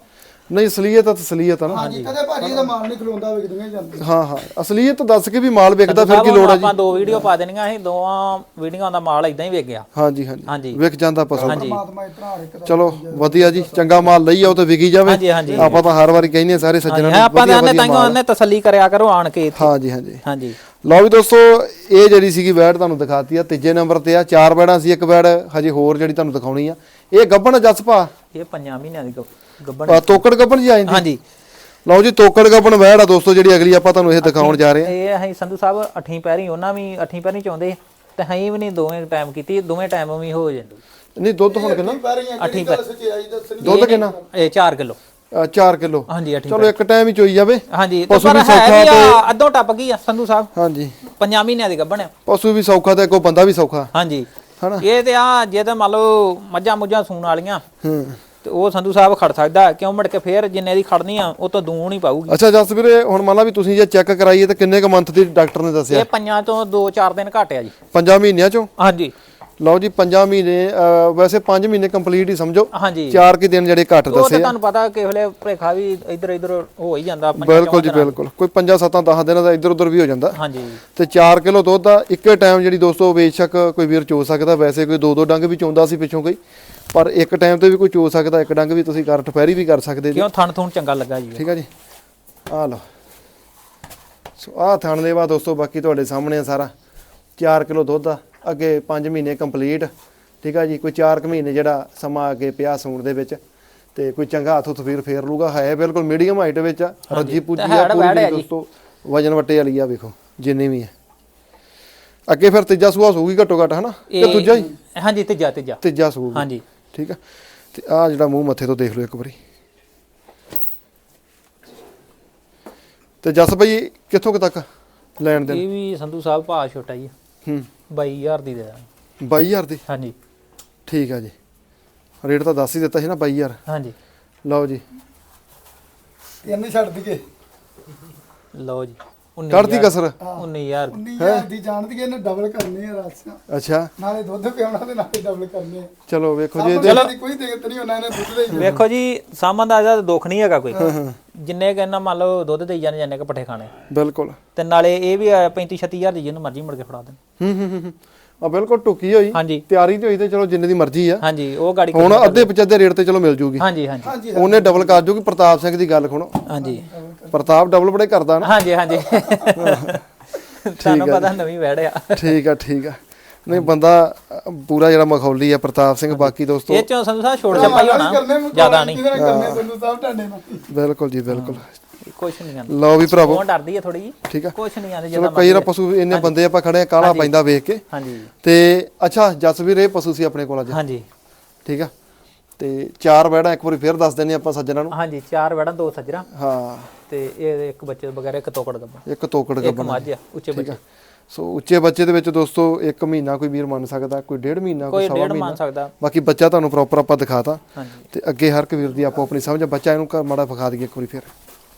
Speaker 2: ਨਹੀਂ ਅਸਲੀਅਤ ਤਾਂ ਤਸਲੀਅਤ ਆ ਨਾ।
Speaker 3: ਹਾਂਜੀ ਕਦੇ ਭਾਜੀ ਦਾ ਮਾਲ ਨਹੀਂ ਖਲੋਂਦਾ ਵਿਕਦੀਆਂ ਜਾਂਦੀਆਂ।
Speaker 2: ਹਾਂ ਹਾਂ ਅਸਲੀਅਤ ਦੱਸ ਕੇ ਵੀ ਮਾਲ ਵਿਕਦਾ ਫਿਰ ਕੀ ਲੋੜ ਆ ਜੀ।
Speaker 1: ਆਪਾਂ ਦੋ ਵੀਡੀਓ ਪਾ ਦੇਣੀਆਂ ਅਸੀਂ ਦੋਵਾਂ ਵੀਡੀਓਆਂ ਦਾ ਮਾਲ ਇਦਾਂ ਹੀ ਵਿਕ ਗਿਆ।
Speaker 2: ਹਾਂਜੀ ਹਾਂਜੀ
Speaker 1: ਹਾਂਜੀ
Speaker 2: ਵਿਕ ਜਾਂਦਾ ਪਸ਼ੂ।
Speaker 3: ਪਰਮਾਤਮਾ ਇਤਨਾ ਹਰ ਇੱਕ ਦਾ
Speaker 2: ਚਲੋ ਵਧੀਆ ਜੀ ਚੰਗਾ ਮਾਲ ਲਈ ਆਓ ਤੇ ਵਿਕੀ ਜਾਵੇ।
Speaker 1: ਹਾਂਜੀ ਹਾਂਜੀ
Speaker 2: ਆਪਾਂ ਤਾਂ ਹਰ ਵਾਰੀ ਕਹਿੰਦੇ ਆ ਸਾਰੇ ਸੱਜਣਾਂ
Speaker 1: ਹਾਂ ਆਪਾਂ ਤਾਂ ਆਨੇ ਤਾਈਓ ਆਨੇ ਤਸੱਲੀ ਕਰਿਆ ਕਰੋ ਆਣ ਕੇ ਇੱਥੇ।
Speaker 2: ਹਾਂਜੀ ਹਾਂਜੀ
Speaker 1: ਹਾਂਜੀ
Speaker 2: ਲਓ ਵੀ ਦੋਸਤੋ ਇਹ ਜਿਹੜੀ ਸੀਗੀ ਵੈੜ ਤੁਹਾਨੂੰ ਦਿਖਾਤੀ ਆ ਤੀਜੇ ਨੰਬਰ ਤੇ ਆ ਚਾਰ ਵੈੜਾਂ ਸੀ ਇੱਕ ਵੈੜ ਹਜੇ ਹੋਰ ਜਿਹੜੀ ਤੁਹਾਨੂੰ ਦਿਖਾਉਣੀ ਆ ਇਹ ਗੱਬਣ ਜੱਸ ਭਾ
Speaker 1: ਇਹ ਪੰਜਾਂ ਮਹੀਨਿਆਂ ਦੀ ਗੱਬਣ
Speaker 2: ਤੋਕੜ ਗੱਬਣ ਜੀ ਆ ਜਾਂਦੀ।
Speaker 1: ਹਾਂਜੀ
Speaker 2: ਲਓ ਜੀ ਤੋਕੜ ਗੱਬਣ ਵੈੜ ਆ ਦੋਸਤੋ ਜਿਹੜੀ ਅਗਲੀ ਆਪਾਂ ਤੁਹਾਨੂੰ ਇਹ ਦਿਖਾਉਣ ਜਾ ਰਹੇ ਆ।
Speaker 1: ਇਹ ਅਸੀਂ ਸੰਧੂ ਸਾਹਿਬ ਅੱਠੀਂ ਪੈਰੀ ਉਹਨਾਂ ਵੀ ਅੱਠੀਂ ਪੈਰੀ ਚਾਹੁੰਦੇ ਤੇ ਅਸੀਂ ਵੀ ਨਹੀਂ ਦੋਵੇਂ ਟਾਈਮ ਕੀਤੀ ਦੋਵੇਂ ਟਾਈਮ ਵੀ ਹੋ ਜਾਂਦੇ।
Speaker 2: ਨਹੀਂ ਦੁੱਧ ਹੁਣ ਕਿੰਨਾ
Speaker 3: ਅੱਠੀ ਗੱਲ ਸੱਚਾਈ ਦੱਸਣੀ।
Speaker 2: ਦੁੱਧ ਕਿੰਨਾ
Speaker 1: ਇਹ ਚਾਰ ਕਿਲੋ
Speaker 2: ਚਾਰ ਕਿਲੋ।
Speaker 1: ਹਾਂਜੀ ਅੱਠੀਂ
Speaker 2: ਚਲੋ ਇੱਕ ਟਾਈਮ ਹੀ ਚੋਈ ਜਾਵੇ।
Speaker 1: ਹਾਂਜੀ
Speaker 2: ਪਸ਼ੂ
Speaker 1: ਪਰ
Speaker 2: ਵੀ
Speaker 1: ਹੈ
Speaker 2: ਸੌਖਾ
Speaker 1: ਵੀ
Speaker 2: ਤੇ
Speaker 1: ਆ, ਅੱਧੋ ਟੱਪ ਗਈ ਆ ਸੰਧੂ ਸਾਹਿਬ
Speaker 2: ਹਾਂਜੀ
Speaker 1: ਪੰਜਾਂ ਮਹੀਨਿਆਂ ਦੀ ਗੱਬਣ ਆ।
Speaker 2: ਪਸ਼ੂ ਵੀ ਸੌਖਾ ਤੇ ਕੋਈ ਬੰਦਾ ਵੀ ਸੌਖਾ
Speaker 1: ਹਾਂਜੀ
Speaker 2: ਹਨਾ।
Speaker 1: ਇਹ ਤੇ ਆ ਜੇ ਤਾਂ ਮੰਨ ਲਓ ਮੱਝਾਂ ਮੁੱਝਾਂ ਸੂਣ ਵਾਲੀਆਂ
Speaker 2: ਹੂੰ
Speaker 1: ਤੇ ਉਹ ਸੰਧੂ ਸਾਹਿਬ ਖੜ ਸਕਦਾ ਕਿਉਂ ਮੁੜ ਕੇ ਫੇਰ ਜਿੰਨੇ ਦੀ ਖੜਨੀ ਆ ਉਹ ਤੋਂ ਦੂਣ ਹੀ ਪਾਊਗੀ।
Speaker 2: ਅੱਛਾ ਜਸ ਵੀਰੇ ਹੁਣ ਮੰਨ ਲਾ ਵੀ ਤੁਸੀਂ ਜੇ ਚੈੱਕ ਕਰਾਈਏ ਤਾਂ ਕਿੰਨੇ ਕ ਮੰਥ ਦੀ ਡਾਕਟਰ ਨੇ ਦੱਸਿਆ?
Speaker 1: ਇਹ ਪੰਜਾਂ ਤੋਂ ਦੋ ਚਾਰ ਦਿਨ ਘੱਟ ਆ ਜੀ।
Speaker 2: ਪੰਜਾਂ ਮਹੀਨਿਆਂ ਚੋਂ।
Speaker 1: ਹਾਂਜੀ
Speaker 2: ਲਓ ਜੀ ਪੰਜਾਂ ਮਹੀਨੇ ਅਹ ਵੈਸੇ ਪੰਜ ਮਹੀਨੇ ਕੰਪਲੀਟ ਹੀ ਸਮਝੋ।
Speaker 1: ਹਾਂਜੀ
Speaker 2: ਚਾਰ ਕੀ ਦਿਨ ਜਿਹੜੇ ਘੱਟ
Speaker 1: ਉਹ ਤਾਂ
Speaker 2: ਦੱਸੇ ਆ।
Speaker 1: ਤੁਹਾਨੂੰ ਪਤਾ ਕਿ ਵੇਲੇ ਭਰੇਖਾ ਵੀ ਇੱਧਰ ਇੱਧਰ ਹੋ ਹੀ ਜਾਂਦਾ ਪੰਜਾਂ
Speaker 2: ਬਿਲਕੁਲ ਜੀ
Speaker 1: ਚੌਂ ਦਿਨਾਂ
Speaker 2: ਬਿਲਕੁਲ ਕੋਈ ਪੰਜਾਂ ਸੱਤਾਂ ਦਸ ਦਿਨਾਂ ਦਾ ਇੱਧਰ ਉੱਧਰ ਵੀ ਹੋ ਜਾਂਦਾ।
Speaker 1: ਹਾਂਜੀ
Speaker 2: ਤੇ ਚਾਰ ਕਿਲੋ ਦੁੱਧ ਦਾ ਇੱਕੇ ਟਾਈਮ ਜਿਹੜੀ ਦੋਸਤੋ ਬੇਸ਼ੱਕ ਕੋਈ ਵੀਰ ਚੋ ਸਕਦਾ। ਵੈਸੇ ਕੋਈ ਦੋ ਦੋ ਡੰਗ ਵੀ ਚੋਂਦਾ ਸੀ ਪਿੱਛੋਂ ਕੋਈ ਪਰ ਇੱਕ ਟਾਈਮ ਤੇ ਵੀ ਕੋਈ ਚੋ ਸਕਦਾ। ਇੱਕ ਡੰਗ ਵੀ ਤੁਸੀਂ ਕਰ ਠਪੈਰੀ ਵੀ ਕਰ ਸਕਦੇ ਜੀ।
Speaker 1: ਕਿਉਂ ਥਣ ਥੂਣ ਚੰਗਾ ਲੱਗਾ ਜੀ।
Speaker 2: ਠੀਕ ਆ ਜੀ ਆ ਲਓ ਸੋ ਆਹ ਥਣ ਦੇ ਬਾਅਦ ਦੋਸਤੋ ਬਾਕੀ ਤੁਹਾਡੇ ਸਾਹਮਣੇ ਆ ਸਾਰਾ ਚਾਰ ਕਿਲੋ ਦੁੱਧ ਆ ਅੱਗੇ ਪੰਜ ਮਹੀਨੇ ਕੰਪਲੀਟ। ਠੀਕ ਆ ਜੀ ਕੋਈ ਚਾਰ ਕੁ ਮਹੀਨੇ ਜਿਹੜਾ ਸਮਾਂ ਅੱਗੇ ਪਿਆ ਸੂਣ ਦੇ ਵਿੱਚ ਤੇ ਕੋਈ ਚੰਗਾ ਹੱਥ ਤਫੀਰ ਫੇਰ ਲੂਗਾ। ਹੈ ਬਿਲਕੁਲ ਮੀਡੀਅਮ ਹਾਈਟ ਵਿੱਚ ਆ ਰੱਜੀ ਪੁੱਜੀ ਆ ਪੂਰੀ ਦੋਸਤੋ ਵਜਨ ਵੱਟੇ ਵਾਲੀ ਆ ਵੇਖੋ ਜਿੰਨੇ ਵੀ ਆ। ਅੱਗੇ ਫਿਰ ਤੀਜਾ ਸੂਆ ਸੂਗੀ ਘੱਟੋ ਘੱਟ ਹਨਾ ਤੇ ਦੂਜਾ ਹੀ
Speaker 1: ਹਾਂਜੀ ਤੀਜਾ ਤੀਜਾ
Speaker 2: ਤੀਜਾ ਸੂਗਾ।
Speaker 1: ਹਾਂਜੀ
Speaker 2: ਠੀਕ ਆ ਤੇ ਆ ਜਿਹੜਾ ਮੂੰਹ ਮੱਥੇ ਤੋਂ ਦੇਖ ਲਓ ਇੱਕ ਵਾਰੀ। ਤੇ ਜਸ ਭਾਈ ਕਿੱਥੋਂ ਕੁ ਤੱਕ ਲੈਣ ਦੇਣ?
Speaker 1: ਇਹ ਵੀ ਸੰਧੂ ਸਾਹਿਬ ਭਾਅ ਛੋਟਾ ਜੀ
Speaker 2: ਹੂੰ
Speaker 1: ਬਾਈ ਹਜ਼ਾਰ ਦੀ ਦੇ ਦਾਂਗੇ।
Speaker 2: ਬਾਈ ਹਜ਼ਾਰ ਦੀ।
Speaker 1: ਹਾਂਜੀ
Speaker 2: ਠੀਕ ਆ ਜੀ ਰੇਟ ਤਾਂ ਦੱਸ ਹੀ ਦਿੱਤਾ ਸੀ ਨਾ ਬਾਈ ਹਜ਼ਾਰ।
Speaker 1: ਹਾਂਜੀ
Speaker 2: ਲਓ ਜੀ
Speaker 3: ਤਿੰਨ ਛੱਡ ਦਈਏ।
Speaker 1: ਲਓ ਜੀ
Speaker 2: ਕੱਢਦੀ ਕਸਰ।
Speaker 1: ਉੱਨੀ ਹਜ਼ਾਰ
Speaker 3: ਉੱਨੀ ਹਜ਼ਾਰ ਦੀ ਜਾਣਦੀ ਇਹਨੇ ਡਬਲ ਕਰਨੀ ਆ ਰਾਸਿਆ।
Speaker 2: ਅੱਛਾ
Speaker 3: ਨਾਲੇ ਦੁੱਧ ਪਿਆਉਣਾ ਤੇ ਨਾਲੇ ਡਬਲ ਕਰਨੇ ਆ।
Speaker 2: ਚਲੋ ਵੇਖੋ ਜੀ
Speaker 3: ਚਲੋ ਦੀ ਕੋਈ ਦਿੱਕਤ ਨਹੀਂ ਉਹਨਾਂ ਨੇ ਦੁੱਧ ਦੇ ਹੀ
Speaker 1: ਵੇਖੋ ਜੀ ਸਾਮਾਂ ਦਾ ਇਹਦਾ ਦੁੱਖ ਨਹੀਂ ਹੈਗਾ ਕੋਈ। ਜਿੰਨੇ ਕਹਿੰਦਾ ਮੰਨ ਲਓ ਦੁੱਧ ਦੇਈ ਜਾਣੇ ਜਾਨੇ ਕ ਪੱਠੇ ਖਾਣੇ
Speaker 2: ਬਿਲਕੁਲ।
Speaker 1: ਤੇ ਨਾਲੇ ਇਹ ਵੀ ਪੈਂਤੀ ਛੱਤੀ ਹਜ਼ਾਰ ਦੀ ਜਿਹਨੂੰ ਮਰਜ਼ੀ ਮੁੜ ਕੇ ਫੜਾ ਦੇਣ।
Speaker 2: ਹੂੰ ਹੂੰ ਹੂੰ ਆ ਬਿਲਕੁਲ ਟੁੱਕੀ ਹੋਈ
Speaker 1: ਹਾਂਜੀ
Speaker 2: ਤਿਆਰੀ ਤੇ ਹੋਈ ਤੇ ਚਲੋ ਜਿੰਨੇ ਦੀ ਮਰਜ਼ੀ ਆ।
Speaker 1: ਹਾਂਜੀ ਉਹ ਗਾੜੀ
Speaker 2: ਹੁਣ ਅੱਧੇ ਪਚੱਧੇ ਰੇਟ ਤੇ ਚਲੋ ਮਿਲ ਜੂਗੀ।
Speaker 1: ਹਾਂਜੀ ਹਾਂਜੀ
Speaker 3: ਹਾਂਜੀ
Speaker 2: ਉਹਨੇ ਡਬਲ ਕਰ ਜੂਗੀ। ਪ੍ਰਤਾਪ ਸਿੰਘ ਦੀ ਗੱਲ ਸੁਣੋ।
Speaker 1: ਹਾਂਜੀ
Speaker 2: ਪ੍ਰਤਾਪ ਡਬਲ ਬੜੇ ਕਰਦਾ ਨਾ।
Speaker 1: ਹਾਂਜੀ ਹਾਂਜੀ ਤੁਹਾਨੂੰ ਪਤਾ ਨਵੀਂ ਵੜਿਆ।
Speaker 2: ਠੀਕ ਆ ਠੀਕ ਆ ਨਹੀਂ ਬੰਦਾ ਪੂਰਾ ਜਿਹੜਾ ਮਖੌਲੀ ਆ ਪ੍ਰਤਾਪ ਸਿੰਘ। ਬਾਕੀ ਦੋਸਤੋ
Speaker 1: ਇਹ ਚੋਂ ਸੰਧੂ ਸਾਹਿਬ ਛੋੜ ਛਪਾਈ ਹੋਣਾ ਜ਼ਿਆਦਾ ਨਹੀਂ।
Speaker 3: ਕਰਨੇ ਸੰਧੂ ਸਾਹਿਬ ਢਾਡੇ ਨਾਲ।
Speaker 2: ਬਿਲਕੁਲ ਜੀ ਬਿਲਕੁਲ।
Speaker 1: ਕੁਛ ਨਹੀਂ ਆਂਦਾ
Speaker 2: ਲਓ ਵੀ ਭਰਾਵੋ
Speaker 1: ਉਹ ਡਰਦੀ ਹੈ ਥੋੜੀ ਜੀ।
Speaker 2: ਠੀਕ ਆ
Speaker 1: ਕੁਛ ਨਹੀਂ ਆਂਦੇ
Speaker 2: ਚਲੋ ਕਈ ਵਾਰ ਪਸ਼ੂ ਇੰਨੇ ਬੰਦੇ ਆਪਾਂ ਖੜੇ ਆ ਕਾਲਾ ਪੈਂਦਾ ਵੇਖ ਕੇ।
Speaker 1: ਹਾਂਜੀ
Speaker 2: ਤੇ ਅੱਛਾ ਜਸਵੀਰ ਇਹ ਪਸ਼ੂ ਸੀ ਆਪਣੇ ਕੋਲ ਅੱਜ।
Speaker 1: ਹਾਂਜੀ
Speaker 2: ਠੀਕ ਆ ਤੇ ਚਾਰ ਵੈੜਾਂ ਇੱਕ ਵਾਰੀ ਫੇਰ ਦੱਸ ਦਿੰਨੇ ਆਪਾਂ ਸੱਜਣਾ ਨੂੰ।
Speaker 1: ਹਾਂਜੀ ਚਾਰ ਵੜਾਂ ਦੋ ਸੱਜਰਾ
Speaker 2: ਹਾਂ
Speaker 1: ਤੇ ਇਹ ਇੱਕ ਬੱਚੇ ਵਗੈਰਾ ਇੱਕ ਤੋਕੜ ਗੱਬਾ
Speaker 2: ਇੱਕ ਤੋਕੜ
Speaker 1: ਇੱਕ
Speaker 2: ਗੱਬਣ।
Speaker 1: ਮੱਝ ਆ ਉੱਚੇ ਬੱਚੇ।
Speaker 2: ਸੋ ਉੱਚੇ ਬੱਚੇ ਦੇ ਵਿੱਚ ਦੋਸਤੋ ਇੱਕ ਮਹੀਨਾ ਕੋਈ ਵੀਰ ਮੰਨ ਸਕਦਾ ਕੋਈ ਡੇਢ ਮਹੀਨਾ ਕੋਈ
Speaker 1: ਕੋਈ
Speaker 2: ਸਵਾ
Speaker 1: ਡੇਢ
Speaker 2: ਮਹੀਨਾ।
Speaker 1: ਮੰਨ ਸਕਦਾ।
Speaker 2: ਬਾਕੀ ਬੱਚਾ ਤੁਹਾਨੂੰ ਪ੍ਰੋਪਰ ਆਪਾਂ ਦਿਖਾਤਾ
Speaker 1: ਹਾਂਜੀ
Speaker 2: ਤੇ ਅੱਗੇ ਹਰ ਇੱਕ ਵੀਰ ਦੀ ਆਪੋ ਆਪਣੀ ਸਮਝ। ਬੱਚਾ ਇਹਨੂੰ ਘਰ ਮਾੜਾ ਵਿਖਾ ਦਈਏ ਇੱਕ ਵਾਰੀ ਫੇਰ।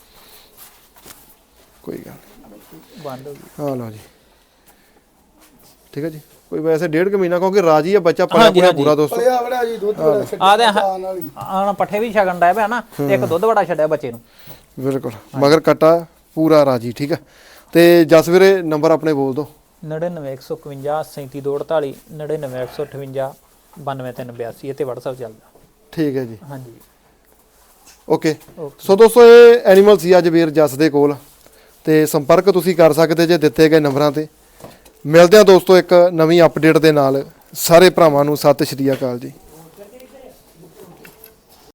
Speaker 2: ਕੋਈ ਗੱਲ ਨਹੀਂ
Speaker 1: ਬੰਦ ਹੋ ਗਈ।
Speaker 2: ਹਾਂ ਲਓ ਜੀ ਠੀਕ ਹੈ ਜੀ ਕੋਈ ਵੈਸੇ ਡੇਢ ਕੁ ਮਹੀਨਾ ਕਿਉਂਕਿ ਰਾਜੀ ਆ ਬੱਚਾ ਪਲਿਆ ਪੂਰਾ ਪੂਰਾ ਦੋਸਤੋ।
Speaker 3: ਪਲਿਆ ਬੜਾ ਜੀ ਦੁੱਧ ਬੜਾ ਛੱਡਿਆ
Speaker 1: ਆ ਦੇ
Speaker 3: ਆਣ ਵਾਲੀ।
Speaker 1: ਆਣ ਪੱਠੇ ਵੀ ਛਕਣ ਡਿਆ ਪਿਆ ਨਾ ਤੇ ਇੱਕ ਦੁੱਧ ਵੜਾ ਛੱਡਿਆ ਬੱਚੇ ਨੂੰ।
Speaker 2: ਬਿਲਕੁਲ ਮਗਰ ਕਟਾ ਪੂਰਾ ਰਾਜੀ। ਠੀਕ ਹੈ ਤੇ ਜਸ ਵੀਰੇ ਨੰਬਰ ਆਪਣੇ ਬੋਲ ਦਿਓ।
Speaker 1: ਨੜਿਨਵੇਂ ਇੱਕ ਸੌ ਇਕਵੰਜਾ ਸੈਂਤੀ ਦੋ ਅੜਤਾਲੀ ਨੜਿਨਵੇਂ ਇੱਕ ਸੌ ਅਠਵੰਜਾ ਬਾਨਵੇਂ ਤਿੰਨ ਬਿਆਸੀ ਇਹ ਤੇ WhatsApp ਚੱਲਦਾ।
Speaker 2: ਠੀਕ ਹੈ ਜੀ
Speaker 1: ਹਾਂਜੀ
Speaker 2: ਓਕੇ। ਸੋ ਦੋਸਤੋ ਇਹ ਐਨੀਮਲ ਸੀ ਅੱਜ ਵੀਰ ਜਸ ਦੇ ਕੋਲ ਤੇ ਸੰਪਰਕ ਤੁਸੀਂ ਕਰ ਸਕਦੇ ਜੇ ਦਿੱਤੇ ਗਏ ਨੰਬਰਾਂ ਤੇ। ਮਿਲਦੇ ਆ ਦੋਸਤੋ ਇੱਕ ਨਵੀਂ ਅਪਡੇਟ ਦੇ ਨਾਲ। ਸਾਰੇ ਭਰਾਵਾਂ ਨੂੰ ਸਤਿ ਸ਼੍ਰੀ ਅਕਾਲ ਜੀ।